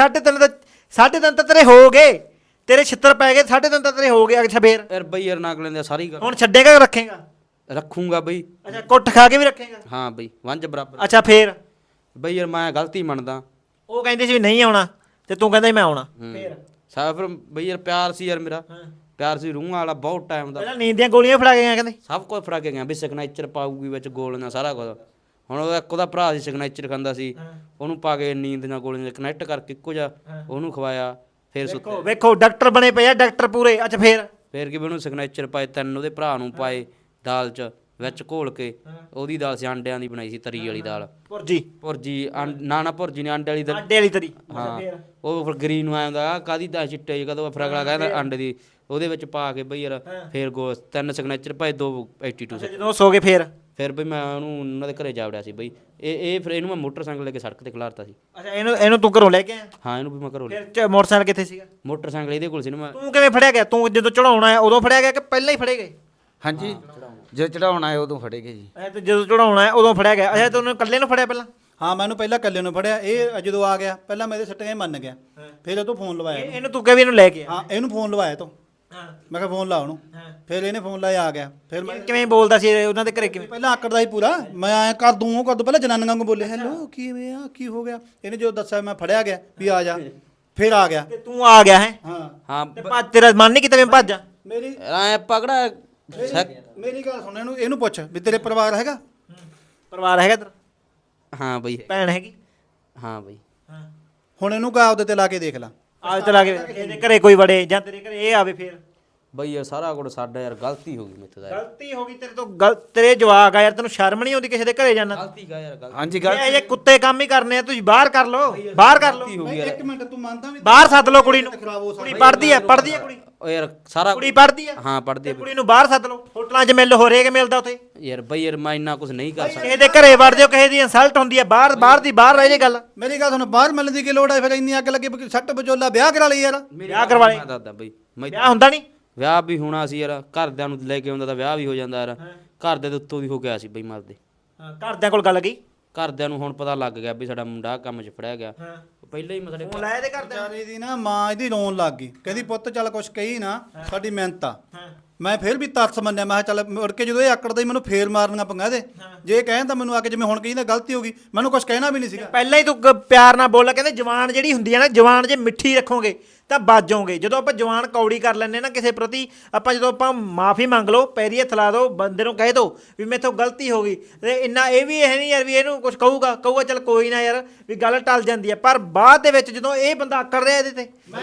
Speaker 1: 3.5 ਤਾਂ ਤੇਰੇ ਹੋ ਗਏ ਤੇਰੇ ਛਿੱਤਰ ਪੈ ਗਏ 3.5 ਤਾਂ ਤੇਰੇ ਹੋ ਗਏ ਅੱਛਾ ਫੇਰ
Speaker 4: ਯਾਰ ਬਈ ਯਾਰ ਨਾਕ ਲੈਂਦੇ ਸਾਰੀ ਗੱਲ
Speaker 1: ਹੁਣ ਛੱਡੇਗਾ ਕਿ ਰੱਖੇਗਾ
Speaker 4: ਰੱਖੂੰਗਾ ਬਈ
Speaker 1: ਅੱਛਾ ਕੁੱਟ ਖਾ ਕੇ ਵੀ ਰੱਖੇਗਾ
Speaker 4: ਹਾਂ ਬਈ ਵੰਜ ਬਰਾਬਰ
Speaker 1: ਅੱਛਾ ਫੇਰ
Speaker 4: ਬਈ ਯਾਰ ਮੈਂ ਗਲਤੀ ਮੰਨਦਾ
Speaker 1: ਉਹ ਕਹਿੰਦੇ ਸੀ ਵੀ ਨਹੀਂ ਆਉਣਾ ਤੇ ਤੂੰ ਕਹਿੰਦਾ ਸੀ ਮੈਂ ਆਉਣਾ ਫੇਰ
Speaker 4: ਫਿਰ ਬਈ ਯਾਰ ਪਿਆਰ ਸੀ ਯਾਰ ਮੇਰਾ ਪਿਆਰ ਸੀ ਰੂਹਾਂ ਵਾਲਾ ਬਹੁਤ ਟਾਈਮ ਦਾ
Speaker 1: ਪਹਿਲਾਂ ਨੀਂਦ ਦੀਆਂ ਗੋਲੀਆਂ ਫੜਾ ਕੇ ਗਿਆ ਕਹਿੰਦੇ
Speaker 4: ਸਭ ਕੁਝ ਫੜਾ ਕੇ ਗਿਆ ਵੀ ਸਿਗਨੇਚਰ ਪਾਊਗੀ ਵਿੱਚ ਗੋਲੀਆਂ ਸਾਰਾ ਕੁਝ ਹੁਣ ਉਹਦਾ ਇੱਕ ਉਹਦਾ ਭਰਾ ਸੀ ਸਿਗਨੇਚਰ ਖਾਂਦਾ ਸੀ ਉਹਨੂੰ ਪਾ ਕੇ ਨੀਂਦ ਦੀਆਂ ਗੋਲੀਆਂ ਕਨੈਕਟ ਕਰਕੇ ਇੱਕੋ ਜਿਹਾ ਉਹਨੂੰ ਖਵਾਇਆ ਫਿਰ ਸੁੱਤੇ
Speaker 1: ਵੇਖੋ ਡਾਕਟਰ ਬਣੇ ਪਏ ਆ ਡਾਕਟਰ ਪੂਰੇ ਅੱਛਾ ਫੇਰ
Speaker 4: ਕਿ ਵੀ ਉਹਨੂੰ ਸਿਗਨੇਚਰ ਪਾਏ 3 ਉਹਦੇ ਭਰਾ ਨੂੰ ਪਾਏ ਦਾਲ 'ਚ ਵਿੱਚ ਘੋਲ ਕੇ ਉਹਦੀ ਦਾਲ ਸੀ ਆਂਡਿਆਂ ਦੀ ਬਣਾਈ ਸੀ ਤਰੀ ਵਾਲੀ ਦਾਲ ਭੁਰਜੀ ਨਾ ਭੁਰਜੀ ਨੇ ਆਂਡੇ ਵਾਲੀ ਦਾਲ
Speaker 1: ਆਂਡੇ ਵਾਲੀ ਤਰੀ
Speaker 4: ਹਾਂ ਉਹ ਫਿਰ ਗਰੀਨ ਨੂੰ ਆਉਂਦਾ ਕਾਦੀ ਦਾ ਚਿੱਟੇ ਕਦੋਂ ਫਿਰ ਅਗਲਾ ਕਹਿੰਦਾ ਆਂਡੇ ਦੀ ਉਹਦੇ ਵਿੱਚ ਪਾ ਕੇ ਬਈ ਯਾਰ ਫੇਰ 3 ਸਿਗਨੇਚਰ ਪਾਏ 2 82
Speaker 1: ਜਦੋਂ ਸੋ ਗਏ
Speaker 4: ਫਿਰ ਬਈ ਮੈਂ ਉਹਨੂੰ ਉਹਨਾਂ ਦੇ ਘਰੇ ਜਾ ਵੜਿਆ ਸੀ ਬਈ ਇਹ ਫਿਰ ਇਹਨੂੰ ਮੈਂ ਮੋਟਰਸਾਈਕਲ ਲੈ ਕੇ ਸੜਕ ਤੇ ਖਿਲਾਰਤਾ ਸੀ
Speaker 1: ਅੱਛਾ ਇਹਨੂੰ ਤੂੰ ਘਰੋਂ ਲੈ ਕੇ ਆਇਆ
Speaker 4: ਹਾਂ ਇਹਨੂੰ ਵੀ ਮੈਂ ਘਰੋਂ
Speaker 1: ਫਿਰ ਮੋਟਰਸਾਈਕਲ ਕਿੱਥੇ ਸੀਗਾ
Speaker 4: ਮੋਟਰਸਾਈਕਲ ਇਹਦੇ ਕੋਲ ਸੀ ਨਾ ਮੈਂ
Speaker 1: ਤੂੰ ਕਿਵੇਂ ਫੜਿਆ ਗਿਆ ਤੂੰ ਜਦੋਂ ਚੜਾਉਣਾ ਆਇਆ ਉਦੋਂ ਫੜਿਆ ਗਿਆ ਕਿ ਪਹਿਲਾਂ ਹੀ ਫੜੇ ਗਏ
Speaker 3: ਹਾਂਜੀ ਜੇ ਚੜਾਉਣਾ ਹੈ ਉਦੋਂ ਫੜੇਗੇ ਜੀ।
Speaker 1: ਅੱਛਾ ਤੇ ਜਦੋਂ ਚੜਾਉਣਾ ਹੈ ਉਦੋਂ ਫੜਿਆ ਗਿਆ ਅੱਛਾ ਤੂੰ ਉਹਨੂੰ ਇਕੱਲੇ ਨੂੰ ਫੜਿਆ ਪਹਿਲਾਂ
Speaker 2: ਹਾਂ ਮੈਨੂੰ ਪਹਿਲਾਂ ਇਕੱਲੇ ਨੂੰ ਫੜਿਆ ਇਹ ਜਦੋਂ ਆ ਗਿਆ ਪਹਿਲਾਂ ਮੇਰੇ ਸੱਟੇ ਮੰਨ ਗਿਆ ਫਿਰ ਉਹ ਤੋਂ ਫੋਨ ਲਵਾਇਆ
Speaker 1: ਇਹਨੂੰ ਤੂੰ ਵੀ ਇਹਨੂੰ ਲੈ ਕੇ ਆ
Speaker 2: ਹਾਂ ਇਹਨੂੰ ਫੋਨ ਲਵਾਇਆ ਤੋਂ
Speaker 1: ਹਾਂ
Speaker 2: ਮੈਂ ਕਿਹਾ ਫੋਨ ਲਾ ਉਹਨੂੰ ਫਿਰ ਇਹਨੇ ਫੋਨ ਲਾਇਆ ਆ ਗਿਆ ਫਿਰ ਮੈਂ
Speaker 1: ਕਿਵੇਂ ਬੋਲਦਾ ਸੀ ਉਹਨਾਂ ਦੇ ਘਰੇ ਕਿਵੇਂ
Speaker 2: ਪਹਿਲਾਂ ਆਕੜਦਾ ਸੀ ਪੂਰਾ ਮੈਂ ਐ ਕਰ ਦੂੰ ਉਹ ਕਰ ਦੂੰ ਪਹਿਲਾਂ ਜਨਾਨੀਆਂ ਨੂੰ ਬੋਲੇ ਹੈਲੋ ਕਿਵੇਂ ਆ ਕੀ ਹੋ ਗਿਆ ਇਹਨੇ ਜਦੋਂ ਦੱਸਿਆ ਮੈਂ ਫੜਿਆ ਗਿਆ ਵੀ ਆ ਜਾ ਫਿਰ ਆ ਗਿਆ
Speaker 1: ਤੇ ਤੂੰ ਆ ਗਿਆ ਹੈ
Speaker 4: ਹਾਂ
Speaker 1: ਤੇ ਭੱਜ ਤੇਰਾ ਮਨ ਨਹੀਂ ਕੀਤਾ ਮੈਂ ਭੱਜ ਜਾ
Speaker 2: ਮੇਰੀ
Speaker 4: ਐ ਪਕੜਾ
Speaker 2: ਮੇਰੀ ਗੱਲ ਸੁਣ ਇਹਨੂੰ ਪੁੱਛ ਵੀ ਤੇਰੇ ਪਰਿਵਾਰ ਹੈਗਾ
Speaker 1: ਪਰਿਵਾਰ ਹੈਗਾ ਤੇਰਾ
Speaker 4: ਹਾਂ ਬਈ
Speaker 1: ਭੈਣ ਹੈਗੀ
Speaker 4: ਹਾਂ ਬਈ
Speaker 1: ਹਾਂ
Speaker 2: ਹੁਣ ਇਹਨੂੰ ਕਾ ਉਹਦੇ ਤੇ ਲਾ ਕੇ ਦੇਖ ਲੈ
Speaker 1: ਆਜ ਤੇ ਲਾ ਕੇ ਇਹਦੇ ਘਰੇ ਕੋਈ ਵੜੇ ਜਾਂ ਤੇਰੇ ਘਰੇ ਇਹ ਆਵੇ ਫੇਰ
Speaker 4: ਬਈ ਇਹ ਸਾਰਾ ਕੁਝ ਸਾਡਾ ਯਾਰ ਗਲਤੀ ਹੋ ਗਈ ਮੇਥੋਂ ਦਾ
Speaker 1: ਗਲਤੀ ਹੋ ਗਈ ਤੇਰੇ ਤੋਂ ਤੇਰੇ ਜਵਾਕ ਆ ਯਾਰ ਤੈਨੂੰ ਸ਼ਰਮ ਨਹੀਂ ਆਉਂਦੀ ਕਿਸੇ ਦੇ ਘਰੇ ਜਾਣਾ
Speaker 4: ਗਲਤੀ ਗਾ ਯਾਰ ਗਲਤੀ
Speaker 3: ਹਾਂਜੀ
Speaker 1: ਇਹ ਜੇ ਕੁੱਤੇ ਕੰਮ ਹੀ ਕਰਨੇ ਆ ਤੁਸੀਂ ਬਾਹਰ ਕਰ ਲਓ ਬਾਹਰ ਕਰ ਲਓ
Speaker 4: ਹੋ ਗਈ ਯਾਰ
Speaker 2: ਇੱਕ ਮਿੰਟ ਤੂੰ ਮੰਨਦਾ ਵੀ
Speaker 1: ਬਾਹਰ ਸੱਦ ਲਓ ਕੁੜੀ ਨੂੰ
Speaker 2: ਖਰਾਬ ਹੋ
Speaker 1: ਕੁੜੀ ਪੜਦੀ ਆ ਕੁੜੀ
Speaker 4: ਓ ਯਾਰ ਸਾਰਾ
Speaker 1: ਕੁੜੀ ਪੜਦੀ ਆ
Speaker 4: ਹਾਂ ਪੜਦੀ
Speaker 1: ਕੁੜੀ ਨੂੰ ਬਾਹਰ ਸੱਦ ਲਓ ਹੋਟਲਾਂ 'ਚ ਮਿਲ ਹੋ ਰੇਕ ਮਿਲਦਾ ਉੱਥੇ
Speaker 4: ਯਾਰ ਬਈ ਯਾਰ ਮੈਂ ਇੰਨਾ ਕੁਝ ਨਹੀਂ ਕਰ ਸਕਦਾ
Speaker 1: ਕਿਸੇ ਦੇ ਘਰੇ ਵੜ ਜਾਓ ਕਿਸੇ ਦੀ ਇਨਸਲਟ ਹੁੰਦੀ ਆ ਬਾਹਰ ਰਹਿ ਜੇ ਗੱਲ
Speaker 2: ਮੇਰੀ ਗੱਲ ਸੁਣ ਬਾਹਰ ਮਿਲਣ ਦੀ ਕੀ ਲੋੜ ਹੈ ਫਿਰ ਇੰਨੀ ਅੱਗ ਲੱਗੀ ਵੀ ਸੱਟ ਬਚੋਲਾ ਵਿਆਹ ਕਰਾ ਲਈ ਯਾਰ
Speaker 1: ਵਿਆਹ ਕਰਵਾ ਲਈ
Speaker 4: ਮੈਂ ਦੱਸਦਾ ਬਈ
Speaker 1: ਵਿਆਹ ਹੁੰਦਾ ਨਹੀਂ
Speaker 4: ਵਿਆਹ ਵੀ ਹੋਣਾ ਸੀ ਯਾਰ ਘਰਦਿਆਂ ਨੂੰ ਲੈ ਕੇ ਆਉਂਦਾ ਤਾਂ ਵਿਆਹ ਵੀ ਹੋ ਜਾਂਦਾ ਯਾਰ ਘਰਦਿਆਂ ਦੇ ਉੱਤੋਂ ਦੀ ਹੋ ਗਿਆ ਸੀ ਬਈ ਮਰਦੇ
Speaker 1: ਘਰਦਿਆਂ ਕੋਲ ਗੱਲ ਗਈ
Speaker 4: ਘਰਦਿਆਂ ਨੂੰ ਹੁਣ ਪਤਾ ਲੱਗ ਗਿਆ ਵੀ ਸਾਡਾ ਮੁੰਡਾ ਕੰਮ 'ਚ ਫੜਿਆ ਗਿਆ ਪਹਿਲਾਂ ਹੀ ਸਾਡੇ
Speaker 1: ਫੋਨ ਲਾਇਆ ਤੇ ਘਰਦਿਆਂ
Speaker 2: ਵਿਚਾਰੀ ਦੀ ਨਾ ਮਾਂ ਇਹਦੀ ਰੋਣ ਲੱਗ ਗਈ ਕਹਿੰਦੀ ਪੁੱਤ ਚੱਲ ਕੁਛ ਕਹੀ ਨਾ ਸਾਡੀ ਮਿਹਨਤ ਆ ਮੈਂ ਫਿਰ ਵੀ ਤਰਸ ਮੰਨਿਆ, ਮੈਂ ਕਿਹਾ ਚੱਲ ਮੁੜ ਕੇ ਜਦੋਂ ਇਹ ਆਕੜਦਾ ਹੀ ਮੈਨੂੰ ਫੇਰ ਮਾਰਨੀਆਂ ਪੰਗਾ ਇਹਦੇ, ਜੇ ਇਹ ਕਹਿੰਦਾ ਮੈਨੂੰ ਆ ਕੇ ਜਿਵੇਂ ਹੁਣ ਕਹਿੰਦਾ ਗਲਤੀ ਹੋ ਗਈ, ਮੈਨੂੰ ਕੁਝ ਕਹਿਣਾ ਵੀ ਨਹੀਂ ਸੀਗਾ।
Speaker 1: ਪਹਿਲਾਂ ਹੀ ਤੂੰ ਪਿਆਰ ਨਾਲ ਬੋਲਿਆ, ਕਹਿੰਦੇ ਜਵਾਨ ਜਿਹੜੀ ਹੁੰਦੀ ਹੈ ਨਾ, ਜਵਾਨ ਜੇ ਮਿੱਠੀ ਰੱਖੋਗੇ ਤਾਂ ਬਾਜੋਗੇ। ਜਦੋਂ ਆਪਾਂ ਜਵਾਨ ਕੌੜੀ ਕਰ ਲੈਂਦੇ ਨਾ ਕਿਸੇ ਪ੍ਰਤੀ, ਆਪਾਂ ਜਦੋਂ ਆਪਾਂ ਮਾਫੀ ਮੰਗ ਲਓ, ਪੈਰੀ ਹੱਥ ਲਾ ਦਿਓ, ਬੰਦੇ ਨੂੰ ਕਹਿ ਦਿਓ ਵੀ ਮੇਥੋਂ ਗਲਤੀ ਹੋ ਗਈ, ਤੇ ਇੰਨਾ ਇਹ ਵੀ ਇਹ ਨਹੀਂ ਯਾਰ ਵੀ ਇਹਨੂੰ ਕੁਝ ਕਹੂਗਾ ਚੱਲ ਕੋਈ ਨਾ ਯਾਰ ਵੀ ਗੱਲ ਟਲ ਜਾਂਦੀ ਹੈ। ਪਰ ਬਾਅਦ ਦੇ ਵਿੱਚ ਜਦੋਂ ਇਹ ਬੰਦਾ ਆਕੜ ਰਿਹਾ ਇਹਦੇ ਤੇ,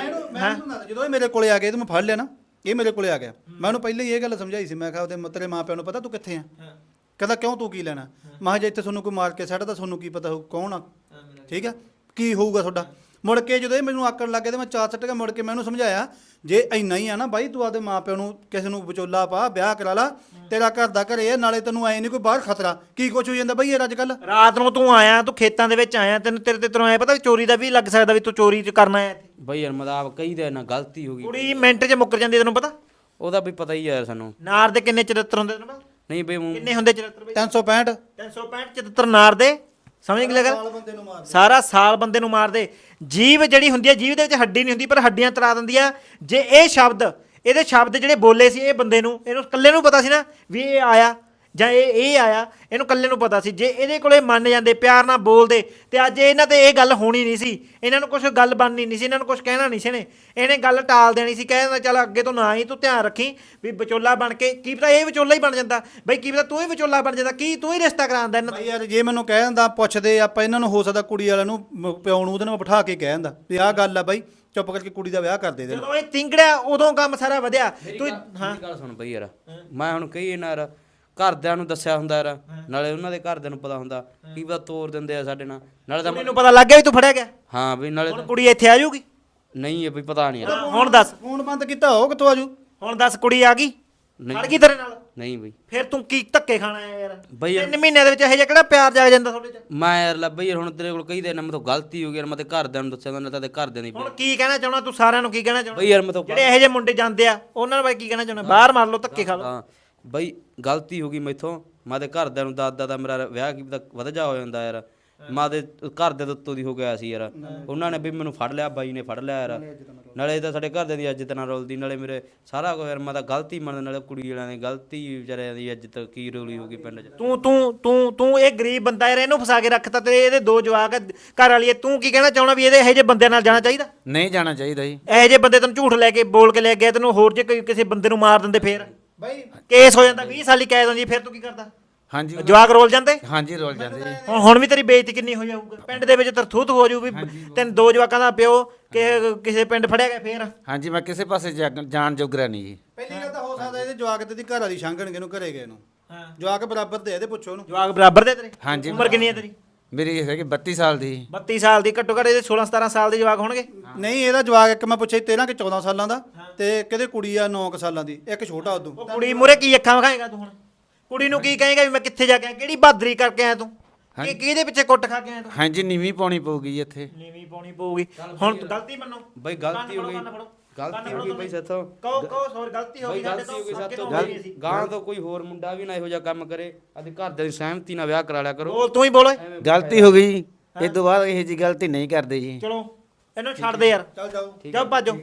Speaker 2: ਜਦੋਂ ਇਹ ਮੇਰੇ ਕੋਲੇ ਆ ਗਿਆ ਤੇ ਮੈਂ ਫੜ ਲਿਆ ਨਾ, ਇਹ ਮੇਰੇ ਕੋਲੇ ਆ ਗਿਆ, ਮੈਂ ਉਹਨੂੰ ਪਹਿਲਾਂ ਹੀ ਇਹ ਗੱਲ ਸਮਝਾਈ ਸੀ, ਮੈਂ ਕਿਹਾ ਉਹਦੇ ਤੇਰੇ ਮਾਂ ਪਿਓ ਨੂੰ ਪਤਾ ਤੂੰ ਕਿੱਥੇ ਆ? ਕਹਿੰਦਾ ਕਿਉਂ, ਤੂੰ ਕੀ ਲੈਣਾ? ਮੈਂ ਕਿਹਾ ਜੇ ਇੱਥੇ ਤੁਹਾਨੂੰ ਕੋਈ ਮਾਰ ਕੇ ਸੱਟਦਾ ਤੁਹਾਨੂੰ ਕੀ ਪਤਾ ਹੋਊ ਕੌਣ ਆ, ਠੀਕ ਆ, ਕੀ ਹੋਊਗਾ ਤੁਹਾਡਾ। ਮੁੜ ਕੇ ਜਦੋਂ ਇਹ ਮੈਨੂੰ ਆਕੜ ਲੱਗ ਗਿਆ ਤੇ ਮੈਂ ਚਾਰ ਸੱਟ ਕੇ ਮੁੜ ਕੇ ਮੈਂ ਉਹਨੂੰ ਸਮਝਾਇਆ, ਜੇ ਇੰਨਾ ਹੀ ਆ ਨਾ ਬਾਈ, ਤੂੰ ਆਪਦੇ ਮਾਂ ਪਿਓ ਨੂੰ ਕਿਸੇ ਨੂੰ ਵਿਚੋਲਾ ਪਾ, ਵਿਆਹ ਕਰਾ ਲਾ, ਤੇਰਾ ਘਰ ਦਾ ਘਰੇ ਆ, ਨਾਲੇ ਤੈਨੂੰ ਐ ਨਹੀਂ ਕੋਈ ਬਾਹਰ ਖਤਰਾ। ਕੀ ਕੁਛ ਹੋ ਜਾਂਦਾ ਬਈ ਯਾਰ ਅੱਜ ਕੱਲ।
Speaker 1: ਰਾਤ ਨੂੰ ਤੂੰ ਆਇਆ, ਤੂੰ ਖੇਤਾਂ ਦੇ ਵਿੱਚ ਆਇਆ, ਤੈਨੂੰ ਐ ਪਤਾ ਵੀ ਚੋਰੀ ਦਾ ਵੀ ਲੱਗ ਸਕਦਾ ਵੀ ਤੂੰ ਚੋਰੀ ਚ ਕਰਨਾ ਆਇਆ ਇੱਥੇ।
Speaker 4: ਬਈ ਯਾਰ ਮਤਲਬ ਕਈ ਦੇ ਨਾ ਗਲਤੀ ਹੋ ਗਈ,
Speaker 1: ਕੁੜੀ ਮਿੰਟ 'ਚ ਮੁੱਕਰ ਜਾਂਦੀ, ਤੈਨੂੰ ਪਤਾ?
Speaker 4: ਉਹਦਾ ਵੀ ਪਤਾ ਹੀ ਯਾਰ ਸਾਨੂੰ।
Speaker 1: ਨਾਰ ਦੇ ਕਿੰਨੇ ਚਰਿੱਤਰ ਹੁੰਦੇ ਤੈਨੂੰ ਪਤਾ?
Speaker 4: ਨਹੀਂ ਬਈ
Speaker 1: ਕਿੰਨੇ ਹੁੰਦੇ ਚਰਿੱਤਰ ਬਈ?
Speaker 2: 365
Speaker 1: 365 ਚਰਿੱਤਰ ਨਾਰ ਦੇ, ਸਮਝ ਗਏ ਗੱਲ? ਸਾਰਾ ਸਾਲ ਬੰਦੇ ਨੂੰ ਮਾਰਦੇ। ਜੀਭ ਜਿਹੜੀ ਹੁੰਦੀ ਹੈ, ਜੀਭ ਦੇ ਵਿੱਚ ਹੱਡੀ ਨਹੀਂ ਹੁੰਦੀ, ਪਰ ਹੱਡੀਆਂ ਤਰਾ ਦਿੰਦੀ ਆ। ਜੇ ਇਹ ਸ਼ਬਦ, ਇਹਦੇ ਸ਼ਬਦ ਜਿਹੜੇ ਬੋਲੇ ਸੀ ਇਹ ਬੰਦੇ ਨੂੰ, ਇਹਨੂੰ ਇਕੱਲੇ ਨੂੰ ਪਤਾ ਸੀ ਨਾ ਵੀ ਇਹ ਆਇਆ ਜਾਂ ਇਹ ਆਇਆ, ਇਹਨੂੰ ਇਕੱਲੇ ਨੂੰ ਪਤਾ ਸੀ। ਜੇ ਇਹਦੇ ਕੋਲੇ ਮੰਨ ਜਾਂਦੇ, ਪਿਆਰ ਨਾਲ ਬੋਲਦੇ, ਤੇ ਅੱਜ ਇਹਨਾਂ ਤੇ ਇਹ ਗੱਲ ਹੋਣੀ ਨਹੀਂ ਸੀ, ਇਹਨਾਂ ਨੂੰ ਕੁਝ ਗੱਲ ਬਣਨੀ ਨਹੀਂ ਸੀ, ਇਹਨਾਂ ਨੂੰ ਕੁਝ ਕਹਿਣਾ ਨਹੀਂ ਸੀ ਇਹਨੇ ਗੱਲ ਟਾਲ ਦੇਣੀ ਸੀ, ਕਹਿ ਦਿੰਦਾ ਚੱਲ ਅੱਗੇ ਤੋਂ ਨਾ ਹੀ ਤੂੰ ਧਿਆਨ ਰੱਖੀ ਵੀ ਵਿਚੋਲਾ ਬਣ ਕੇ, ਕੀ ਪਤਾ ਇਹ ਵਿਚੋਲਾ ਹੀ ਬਣ ਜਾਂਦਾ ਬਈ, ਕੀ ਪਤਾ ਤੂੰ ਹੀ ਵਿਚੋਲਾ ਬਣ ਜਾਂਦਾ, ਕੀ ਤੂੰ ਹੀ ਰਿਸ਼ਤਾ ਕਰਾਉਂਦਾ ਇਹਨਾਂ ਦਾ।
Speaker 2: ਯਾਰ ਜੇ ਮੈਨੂੰ ਕਹਿ ਦਿੰਦਾ, ਪੁੱਛਦੇ ਆਪਾਂ ਇਹਨਾਂ ਨੂੰ, ਹੋ ਸਕਦਾ ਕੁੜੀ ਵਾਲਿਆਂ ਨੂੰ, ਪਿਓ ਨੂੰ ਉਹਦੇ ਨਾਲ ਬਿਠਾ ਕੇ ਕਹਿ ਦਿੰਦਾ ਵੀ ਆਹ ਗੱਲ ਆ ਬਾਈ, ਚੁੱਪ ਕਰਕੇ ਕੁੜੀ ਦਾ ਵਿਆਹ ਕਰ ਦੇ ਦੇ।
Speaker 1: ਜਦੋਂ ਇਹ ਤਿੰਗੜਿਆ ਉਦੋਂ ਕੰਮ ਸਾਰਾ ਵਧਿਆ। ਤੂੰ
Speaker 4: ਹਾਂ ਗੱਲ ਸੁਣ ਬਈ ਯਾਰ, ਮੈਂ ਹੁਣ ਕਹੀ ਨਾ ਯਾਰ, ਘਰਦਿਆਂ ਨੂੰ ਦੱਸਿਆ ਹੁੰਦਾ ਯਾਰ, ਨਾਲੇ ਉਹਨਾਂ ਦੇ ਘਰਦਿਆਂ ਨੂੰ ਪਤਾ ਹੁੰਦਾ, ਕੀ ਪਤਾ ਤੋਰ ਦਿੰਦੇ ਆ ਸਾਡੇ ਨਾਲ, ਨਾਲੇ ਤਾਂ
Speaker 1: ਮੈਨੂੰ ਪਤਾ ਲੱਗ ਗਿਆ ਵੀ ਤੂੰ ਫੜਿਆ ਗਿਆ।
Speaker 4: ਹਾਂ ਬਈ ਨਾਲੇ
Speaker 1: ਹੁਣ ਕੁੜੀ ਇੱਥੇ ਆ ਜਾਊਗੀ?
Speaker 4: ਨਹੀਂ ਹੈ ਬਈ ਪਤਾ ਨਹੀਂ ਯਾਰ।
Speaker 1: ਹੁਣ ਦੱਸ,
Speaker 2: ਫੋਨ ਬੰਦ ਕੀਤਾ ਹੋ ਕਿੱਥੋਂ ਆਜੂ?
Speaker 1: ਹੁਣ ਦੱਸ, ਕੁੜੀ ਆ ਗਈ,
Speaker 4: ਨਹੀਂ।
Speaker 1: ਖੜ ਗਈ ਤੇਰੇ ਨਾਲ?
Speaker 4: ਨਹੀਂ ਬਈ।
Speaker 1: ਫਿਰ ਤੂੰ ਕੀ ਧੱਕੇ ਖਾਣਾ ਹੈ ਯਾਰ?
Speaker 4: ਬਈ ਯਾਰ
Speaker 1: 3 ਮਹੀਨਿਆਂ ਦੇ ਵਿੱਚ ਇਹ ਜਿਹਾ ਕਿਹੜਾ ਪਿਆਰ ਜਾਗ ਜਾਂਦਾ ਤੁਹਾਡੇ 'ਚ?
Speaker 4: ਮੈਂ ਯਾਰ ਲੱਭ ਯਾਰ, ਹੁਣ ਤੇਰੇ ਕੋਲ ਕਹੀ ਦੇ ਨਾ, ਮੈਂ ਤੋਂ ਗਲਤੀ ਹੋ ਗਈ ਯਾਰ, ਮੈਂ ਤੇ ਘਰਦਿਆਂ ਨੂੰ ਦੱਸਿਆ ਨਾ, ਤੇ ਘਰਦਿਆਂ ਦੀ
Speaker 1: ਹੁਣ ਕੀ ਕਹਿਣਾ ਚਾਹਣਾ ਤੂੰ? ਸਾਰਿਆਂ ਨੂੰ ਕੀ ਕਹਿਣਾ ਚਾਹਣਾ?
Speaker 4: ਬਈ ਯਾਰ ਮੈਂ ਤੋਂ
Speaker 1: ਜਿਹੜੇ ਇਹੋ ਜਿਹੇ ਮੁੰਡੇ ਜਾਂਦੇ ਆ ਉਹਨਾਂ ਬਾਰੇ ਕੀ ਕਹਿਣਾ ਚਾਹਣਾ? ਬਾਹਰ ਮਾਰ ਲਓ, ਧੱਕੇ ਖਾ ਲਓ।
Speaker 4: ਹਾਂ ਬਈ ਗਲਤੀ ਹੋ ਗਈ ਮੈਥੋਂ, ਮੈਂ ਤੇ ਘਰਦਿਆਂ ਨੂੰ ਦਾਦਾ ਦਾ ਮੇਰਾ ਵਿਆਹ ਕੀ ਪਤਾ ਵਧ ਜਾ ਹੋ ਜਾਂਦਾ ਯਾਰ, ਮੈਂ ਤੇ ਘਰਦਿਆਂ ਦੇ ਉੱਤੋਂ ਦੀ ਹੋ ਗਿਆ ਸੀ ਯਾਰ, ਉਹਨਾਂ ਨੇ ਵੀ ਮੈਨੂੰ ਫੜ ਲਿਆ, ਬਾਈ ਨੇ ਫੜ ਲਿਆ ਯਾਰ, ਨਾਲੇ ਤਾਂ ਸਾਡੇ ਘਰਦਿਆਂ ਦੀ ਇੱਜ਼ਤ ਨਾਲ ਰੋਲਦੀ, ਨਾਲੇ ਮੇਰੇ ਸਾਰਾ ਕੁਝ ਯਾਰ, ਮੈਂ ਤਾਂ ਗਲਤੀ ਮੰਨਦਾ, ਨਾਲੇ ਕੁੜੀ ਵਾਲਿਆਂ ਦੀ ਗਲਤੀ, ਵਿਚਾਰਿਆਂ ਦੀ ਇੱਜ਼ਤ ਕੀ ਰੋਲੀ ਹੋ ਗਈ ਪਿੰਡ 'ਚ।
Speaker 1: ਤੂੰ ਇਹ ਗਰੀਬ ਬੰਦਾ ਯਾਰ, ਇਹਨੂੰ ਫਸਾ ਕੇ ਰੱਖਤਾ, ਤੇ ਇਹਦੇ 2 ਜਵਾਕ ਘਰ ਵਾਲੀ, ਤੂੰ ਕੀ ਕਹਿਣਾ ਚਾਹਣਾ ਵੀ ਇਹਦੇ ਇਹੋ ਜਿਹੇ ਬੰਦਿਆਂ ਨਾਲ ਜਾਣਾ ਚਾਹੀਦਾ?
Speaker 3: ਨਹੀਂ ਜਾਣਾ ਚਾਹੀਦਾ ਜੀ।
Speaker 1: ਇਹੋ ਜਿਹੇ ਬੰਦੇ ਤੈਨੂੰ ਝੂਠ ਲੈ ਕੇ ਬੋਲ ਕੇ ਲੈ ਗਿਆ, ਤੈਨੂੰ ਹੋਰ ਜੇ ਕੋਈ ਕਿਸੇ ਬੰਦੇ ਨੂੰ ਮਾਰ ਦਿੰਦੇ ਫੇਰ
Speaker 2: ਬਾਈ
Speaker 1: ਕੇਸ ਹੋ ਜਾਂਦਾ, 20 ਸਾਲੀ ਕੈਦ ਹੁੰਦੀ, ਫਿਰ ਤੂੰ ਕੀ ਕਰਦਾ?
Speaker 3: ਹਾਂਜੀ
Speaker 1: ਜਵਾਕ ਰੋਲ ਜਾਂਦੇ।
Speaker 3: ਹਾਂਜੀ ਰੋਲ ਜਾਂਦੇ ਜੀ।
Speaker 1: ਹੁਣ ਵੀ ਤੇਰੀ ਬੇਇੱਜ਼ਤੀ ਕਿੰਨੀ ਹੋ ਜਾਊਗਾ ਪਿੰਡ ਦੇ ਵਿੱਚ, ਤਰਥੂਤ ਹੋ ਜਾਊ ਵੀ ਤੈਨੂੰ 2 ਜਵਾਕਾਂ ਦਾ ਪਿਓ ਕਿਸੇ ਪਿੰਡ ਫੜਿਆ ਗਿਆ ਫੇਰ।
Speaker 3: ਹਾਂਜੀ ਮੈਂ ਕਿਸੇ ਪਾਸੇ ਜਾਣ ਜੋਗਰਾ ਨਹੀਂ ਜੀ।
Speaker 2: ਪਹਿਲੀ ਗੱਲ ਤਾਂ ਹੋ ਸਕਦਾ ਇਹਦੇ ਜਵਾਕ ਤੇ ਦੀ ਘਰ ਵਾਲੀ ਛਾਂਗਣਗੇ ਨੂੰ ਘਰੇ ਗਏ ਨੂੰ, ਜਵਾਕ ਬਰਾਬਰ ਦੇ ਇਹਦੇ ਪੁੱਛੋ ਉਹਨੂੰ।
Speaker 1: ਜਵਾਕ ਬਰਾਬਰ ਦੇ ਤੇਰੇ?
Speaker 3: ਹਾਂਜੀ।
Speaker 1: ਉਮਰ ਕਿੰਨੀ ਹੈ ਤੇਰੀ?
Speaker 3: ਮੇਰੀ ਹੈਗੀ 32 ਸਾਲ ਦੀ।
Speaker 1: 32 ਸਾਲ ਦੀ? ਘੱਟੋ ਘੱਟ ਇਹਦੇ 16-17 ਸਾਲ ਦੇ ਜਵਾਕ ਹੋਣਗੇ।
Speaker 2: ਨਹੀਂ ਇਹਦਾ ਜਵਾਕ ਇੱਕ ਮੈਂ ਪੁੱਛਿਆ 13 ਕਿ 14 ਸਾਲਾਂ ਦਾ, ਤੇ ਕਿਹਦੇ ਕੁੜੀ ਆ 9 ਸਾਲਾਂ ਦੀ, ਇੱਕ ਛੋਟਾ ਉਦੋਂ।
Speaker 1: ਉਹ ਕੁੜੀ ਮੂਹਰੇ ਕੀ ਅੱਖਾਂ ਵਿਖਾਏਗਾ ਤੂੰ? ਹੁਣ ਕੁੜੀ ਨੂੰ ਕੀ ਕਹੇਗਾ ਵੀ ਮੈਂ ਕਿੱਥੇ ਜਾ ਕੇ ਆਇਆ, ਕਿਹੜੀ ਬਹਾਦਰੀ ਕਰਕੇ ਆਇਆ ਤੂੰ, ਕਿਹਦੇ ਪਿੱਛੇ ਕੁੱਟ ਖਾ ਕੇ ਆਇਆ ਤੂੰ?
Speaker 3: ਹਾਂਜੀ ਨੀਵੀਂ ਪਾਉਣੀ ਪਊਗੀ ਜੀ ਇੱਥੇ।
Speaker 1: ਨੀਵੀਂ ਪਾਉਣੀ ਪਊਗੀ। ਹੁਣ ਗਲਤੀ ਮੰਨੋ
Speaker 4: ਬਈ ਗਲਤੀ ਹੋ ਗਈ, ਗਲਤੀ ਹੋ ਗਈ ਬਈ ਸਾਥੋਂ।
Speaker 1: ਕਹੋ ਸੌਰੀ, ਗਲਤੀ ਹੋ ਗਈ ਸਾਡੇ
Speaker 4: ਗਲਤੀ ਹੋ ਗਈ
Speaker 1: ਤੋਂ।
Speaker 4: ਸਾਥੋਂ। ਗਾਂ ਤੋਂ ਕੋਈ ਹੋਰ ਮੁੰਡਾ ਵੀ ਨਾ ਇਹੋ ਜਿਹਾ ਕੰਮ ਕਰੇ, ਅਤੇ ਘਰਦਿਆਂ ਦੀ ਸਹਿਮਤੀ ਨਾਲ ਵਿਆਹ ਕਰਾ ਲਿਆ ਕਰੋ।
Speaker 1: ਬੋਲ, ਤੂੰ ਹੀ ਬੋਲ ਓਏ।
Speaker 3: ਗਲਤੀ ਹੋ ਗਈ, ਇਸ ਤੋਂ ਬਾਅਦ ਇਹ ਜੀ ਗਲਤੀ ਨਹੀਂ ਕਰਦੇ ਜੀ।
Speaker 1: ਚਲੋ ਇਹਨੂੰ ਛੱਡ ਦੇ ਯਾਰ,
Speaker 2: ਚੱਲ ਜਾਓ
Speaker 1: ਜਾਓ ਭੱਜੋ।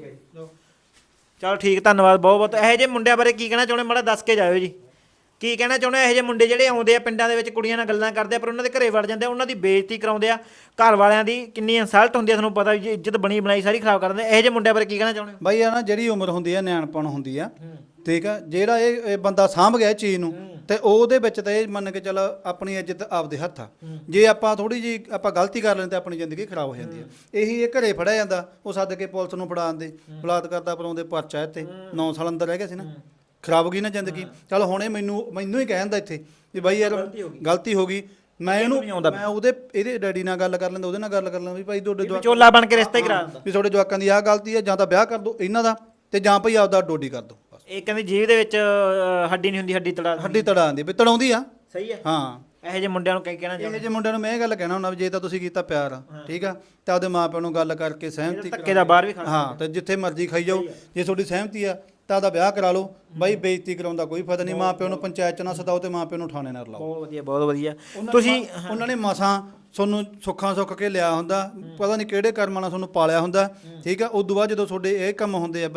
Speaker 1: ਚਲੋ ਠੀਕ, ਧੰਨਵਾਦ ਬਹੁਤ ਬਹੁਤ। ਇਹੋ ਜਿਹੇ ਮੁੰਡਿਆਂ ਬਾਰੇ ਕੀ ਕਹਿਣਾ ਚਾਹੁੰਦੇ, ਮਾੜਾ ਦੱਸ ਕੇ ਜਾਇਓ ਜੀ। ਕੀ ਕਹਿਣਾ ਚਾਹੁੰਦੇ ਇਹੋ ਜਿਹੇ ਮੁੰਡੇ ਜਿਹੜੇ ਆਉਂਦੇ ਆ ਪਿੰਡਾਂ ਦੇ ਵਿੱਚ, ਕੁੜੀਆਂ ਨਾਲ ਗੱਲਾਂ ਕਰਦੇ ਆ, ਪਰ ਉਹਨਾਂ ਦੇ ਘਰੇ ਵੜ ਜਾਂਦੇ ਆ, ਉਹਨਾਂ ਦੀ ਬੇਇੱਜ਼ਤੀ ਕਰਾਉਂਦੇ ਆ, ਘਰ ਵਾਲਿਆਂ ਦੀ ਕਿੰਨੀ ਇਨਸਲਟ ਹੁੰਦੀ ਆ, ਤੁਹਾਨੂੰ ਪਤਾ ਵੀ ਇੱਜ਼ਤ ਬਣੀ ਬਣਾਈ ਸਾਰੀ ਖਰਾਬ ਕਰ ਦਿੰਦੇ। ਇਹੋ ਜਿਹੇ ਮੁੰਡਿਆਂ ਬਾਰੇ ਕੀ ਕਹਿਣਾ ਚਾਹੁੰਦੇ ਹੋ?
Speaker 2: ਬਾਈ ਆ ਨਾ ਜਿਹੜੀ ਉਮਰ ਹੁੰਦੀ ਆ ਨਿਆਣਪਣ ਹੁੰਦੀ ਆ, ਠੀਕ ਆ, ਜਿਹੜਾ ਇਹ ਬੰਦਾ ਸਾਂਭ ਗਿਆ ਇਹ ਚੀਜ਼ ਨੂੰ, ਤੇ ਉਹਦੇ ਵਿੱਚ ਤਾਂ ਇਹ ਮੰਨ ਕੇ ਚੱਲ ਆਪਣੀ ਇੱਜ਼ਤ ਆਪਦੇ ਹੱਥ ਆ। ਜੇ ਆਪਾਂ ਥੋੜੀ ਜੀ ਆਪਾਂ ਗਲਤੀ ਕਰ ਲੈਂਦੇ ਤਾਂ ਆਪਣੀ ਜ਼ਿੰਦਗੀ ਖਰਾਬ ਹੋ ਜਾਂਦੀ ਆ। ਇਹੀ ਇਹ ਘਰੇ ਫੜਿਆ ਜਾਂਦਾ, ਉਹ ਸੱਦ ਕੇ ਪੁਲਿਸ ਨੂੰ ਫੜਾ ਦਿੰਦੇ, ਬਲਾਤਕਾਰ ਦਾ ਪਰਾਉਂਦੇ ਪਰਚਾ ਇੱਥੇ 9 ਸਾਲ ਅੰਦਰ ਰਹਿ ਗਿਆ ਸੀ ਨਾ, ਖਰਾਬ ਹੋ ਗਈ ਨਾ ਜ਼ਿੰਦਗੀ। ਚੱਲ ਹੁਣ ਇਹ ਮੈਨੂੰ ਹੀ ਕਹਿ ਜਾਂਦਾ ਇੱਥੇ ਵੀ ਬਾਈ ਯਾਰ ਗਲਤੀ ਹੋ ਗਈ, ਮੈਂ ਇਹਦੇ ਡੈਡੀ ਨਾਲ ਗੱਲ ਕਰ ਲੈਂਦਾ, ਉਹਦੇ ਨਾਲ ਗੱਲ ਕਰ ਲੈਂਦਾ ਵੀ ਭਾਈ ਤੁਹਾਡੇ ਜਵਾਕ
Speaker 1: ਚੋਲਾ ਬਣ ਕੇ ਰਿਸ਼ਤਾ ਹੀ ਕਰਾ ਦਿੰਦਾ
Speaker 2: ਵੀ ਤੁਹਾਡੇ ਜਵਾਕਾਂ ਦੀ ਆਹ ਗਲਤੀ ਹੈ, ਜਾਂ ਤਾਂ ਵਿਆਹ ਕਰ ਦਿਓ ਇਹਨਾਂ ਦਾ, ਤੇ ਜਾਂ ਭਾਈ ਆਪਦਾ ਡੋਡੀ ਕਰ ਦਿਓ। ਬਸ
Speaker 1: ਇਹ ਕਹਿੰਦੇ ਜੀਭ ਦੇ ਵਿੱਚ ਹੱਡੀ ਨਹੀਂ ਹੁੰਦੀ, ਹੱਡੀ ਤੜਾ
Speaker 2: ਹੱਡੀ ਤੜਾ ਆਉਂਦੀ ਵੀ ਤੜਾਉਂਦੀ ਆ।
Speaker 1: ਸਹੀ ਹੈ।
Speaker 2: ਹਾਂ
Speaker 1: ਇਹੋ ਜਿਹੇ ਮੁੰਡਿਆਂ ਨੂੰ ਕਹਿਣਾ ਚਾਹੁੰਦੇ,
Speaker 2: ਇਹੋ ਜਿਹੇ ਮੁੰਡਿਆਂ ਨੂੰ ਮੈਂ ਇਹ ਗੱਲ ਕਹਿਣਾ ਹੁੰਦਾ ਵੀ ਜੇ ਤਾਂ ਤੁਸੀਂ ਕੀਤਾ ਪਿਆਰ ਆ, ਠੀਕ ਆ, ਤਾਂ ਆਪਦੇ ਮਾਪਿਆਂ ਨੂੰ ਗੱਲ ਕਰਕੇ ਸਹਿਮਤੀ
Speaker 1: ਧੱਕੇ ਦਾ ਬਾਹਰ ਵੀ ਖਾਣਾ।
Speaker 2: ਹਾਂ, ਤੇ ਜਿੱਥੇ ਮਰਜ਼ੀ ਖਾਈ ਜਾਓ, ਜੇ ਤੁਹਾਡੀ ਸਹਿਮਤੀ ਆ ਤਾਂ ਉਹਦਾ ਵਿਆਹ ਕਰਾ ਲਓ। ਬਾਈ ਬੇਇੱਜ਼ਤੀ ਕਰਾਉਂਦਾ ਕੋਈ ਫਾਇਦਾ ਨਹੀਂ, ਮਾਪਿਆਂ ਨੂੰ ਪੰਚਾਇਤ ਚ ਨਾ ਸਦਾਓ ਤੇ ਮਾਪਿਆਂ ਨੂੰ ਥਾਣੇ ਨਾਲ ਲਾਓ।
Speaker 1: ਬਹੁਤ ਵਧੀਆ, ਬਹੁਤ ਵਧੀਆ। ਤੁਸੀਂ
Speaker 2: ਉਹਨਾਂ ਨੇ ਮਸਾਂ ਤੁਹਾਨੂੰ ਸੁੱਖਾਂ ਸੁੱਖ ਕੇ ਲਿਆ ਹੁੰਦਾ, ਪਤਾ ਨਹੀਂ ਕਿਹੜੇ ਕਰਮਾਂ ਨਾਲ ਤੁਹਾਨੂੰ ਪਾਲਿਆ ਹੁੰਦਾ, ਠੀਕ ਆ। ਉਦੋਂ ਬਾਅਦ ਜਦੋਂ ਤੁਹਾਡੇ ਇਹ ਕੰਮ ਹੁੰਦੇ ਆ ਬਈ,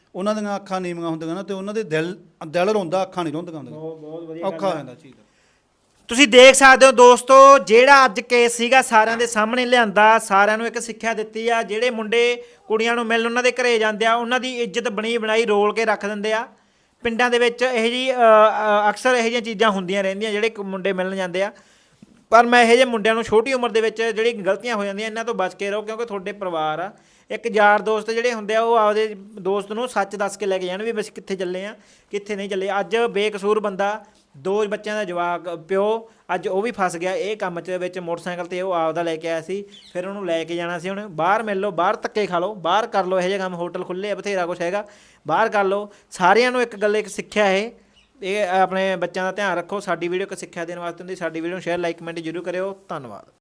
Speaker 2: ਉਹਨਾਂ ਦੀਆਂ ਅੱਖਾਂ ਨੀਵੀਆਂ ਹੁੰਦੀਆਂ ਨਾ ਤੇ ਉਹਨਾਂ ਦੇ ਦਿਲ ਰੋਂਦਾ, ਅੱਖਾਂ ਨਹੀਂ ਰੋਂਦੀਆਂ ਹੁੰਦੀਆਂ।
Speaker 1: ਬਹੁਤ ਵਧੀਆ
Speaker 2: ਔਖਾ ਹੋ ਜਾਂਦਾ ਚੀਜ਼।
Speaker 1: ਤੁਸੀਂ ਦੇਖ ਸਕਦੇ ਹੋ ਦੋਸਤੋ, ਜਿਹੜਾ ਅੱਜ ਕੇਸ ਸੀਗਾ ਸਾਰਿਆਂ ਦੇ ਸਾਹਮਣੇ ਲਿਆਂਦਾ, ਸਾਰਿਆਂ ਨੂੰ ਇੱਕ ਸਿੱਖਿਆ ਦਿੱਤੀ ਆ। ਜਿਹੜੇ ਮੁੰਡੇ ਕੁੜੀਆਂ ਨੂੰ ਮਿਲਣ ਉਹਨਾਂ ਦੇ ਘਰੇ ਜਾਂਦੇ ਆ, ਉਹਨਾਂ ਦੀ ਇੱਜ਼ਤ ਬਣੀ ਬਣਾਈ ਰੋਲ ਕੇ ਰੱਖ ਦਿੰਦੇ ਆ। ਪਿੰਡਾਂ ਦੇ ਵਿੱਚ ਇਹੋ ਜਿਹੀ ਅਕਸਰ ਇਹੋ ਜਿਹੀਆਂ ਚੀਜ਼ਾਂ ਹੁੰਦੀਆਂ ਰਹਿੰਦੀਆਂ, ਜਿਹੜੇ ਮੁੰਡੇ ਮਿਲਣ ਜਾਂਦੇ ਆ। ਪਰ ਮੈਂ ਇਹੋ ਜਿਹੇ ਮੁੰਡਿਆਂ ਨੂੰ ਛੋਟੀ ਉਮਰ ਦੇ ਵਿੱਚ ਜਿਹੜੀ ਗਲਤੀਆਂ ਹੋ ਜਾਂਦੀਆਂ ਇਹਨਾਂ ਤੋਂ ਬਚ ਕੇ ਰਹੋ, ਕਿਉਂਕਿ ਤੁਹਾਡੇ ਪਰਿਵਾਰ ਆ। ਇੱਕ ਯਾਰ ਦੋਸਤ ਜਿਹੜੇ ਹੁੰਦੇ ਆ ਉਹ ਆਪਦੇ ਦੋਸਤ ਨੂੰ ਸੱਚ ਦੱਸ ਕੇ ਲੈ ਕੇ ਜਾਣ ਵੀ ਬਸ ਕਿੱਥੇ ਚੱਲੇ ਆ ਕਿੱਥੇ ਨਹੀਂ ਚੱਲੇ। ਅੱਜ ਬੇਕਸੂਰ ਬੰਦਾ, 2 ਬੱਚਿਆਂ ਦਾ ਜਵਾਕ ਪਿਓ, ਅੱਜ ਉਹ ਵੀ ਫਸ ਗਿਆ ਇਹ ਕੰਮ 'ਚ ਵਿੱਚ। ਮੋਟਰਸਾਈਕਲ ਤੇ ਉਹ ਆਪਦਾ ਲੈ ਕੇ ਆਇਆ ਸੀ, ਫਿਰ ਉਹਨੂੰ ਲੈ ਕੇ ਜਾਣਾ ਸੀ। ਹੁਣ ਬਾਹਰ ਮਿਲ ਲਓ, ਬਾਹਰ ਧੱਕੇ ਖਾ ਲਓ, ਬਾਹਰ ਕਰ ਲਓ, ਇਹੋ ਜਿਹੇ ਕੰਮ ਹੋਟਲ ਖੁੱਲ੍ਹੇ ਆ, ਬਥੇਰਾ ਕੁਛ ਹੈਗਾ, ਬਾਹਰ ਕਰ ਲਓ। ਸਾਰਿਆਂ ਨੂੰ ਇੱਕ ਗੱਲ, ਇੱਕ ਸਿੱਖਿਆ ਇਹ ਆਪਣੇ ਬੱਚਿਆਂ ਦਾ ਧਿਆਨ ਰੱਖੋ। ਸਾਡੀ ਵੀਡੀਓ ਇੱਕ ਸਿੱਖਿਆ ਦੇਣ ਵਾਸਤੇ ਹੁੰਦੀ। ਸਾਡੀ ਵੀਡੀਓ ਨੂੰ ਸ਼ੇਅਰ, ਲਾਈਕ, ਕਮੈਂਟ ਜ਼ਰੂਰ ਕਰਿਓ। ਧੰਨਵਾਦ।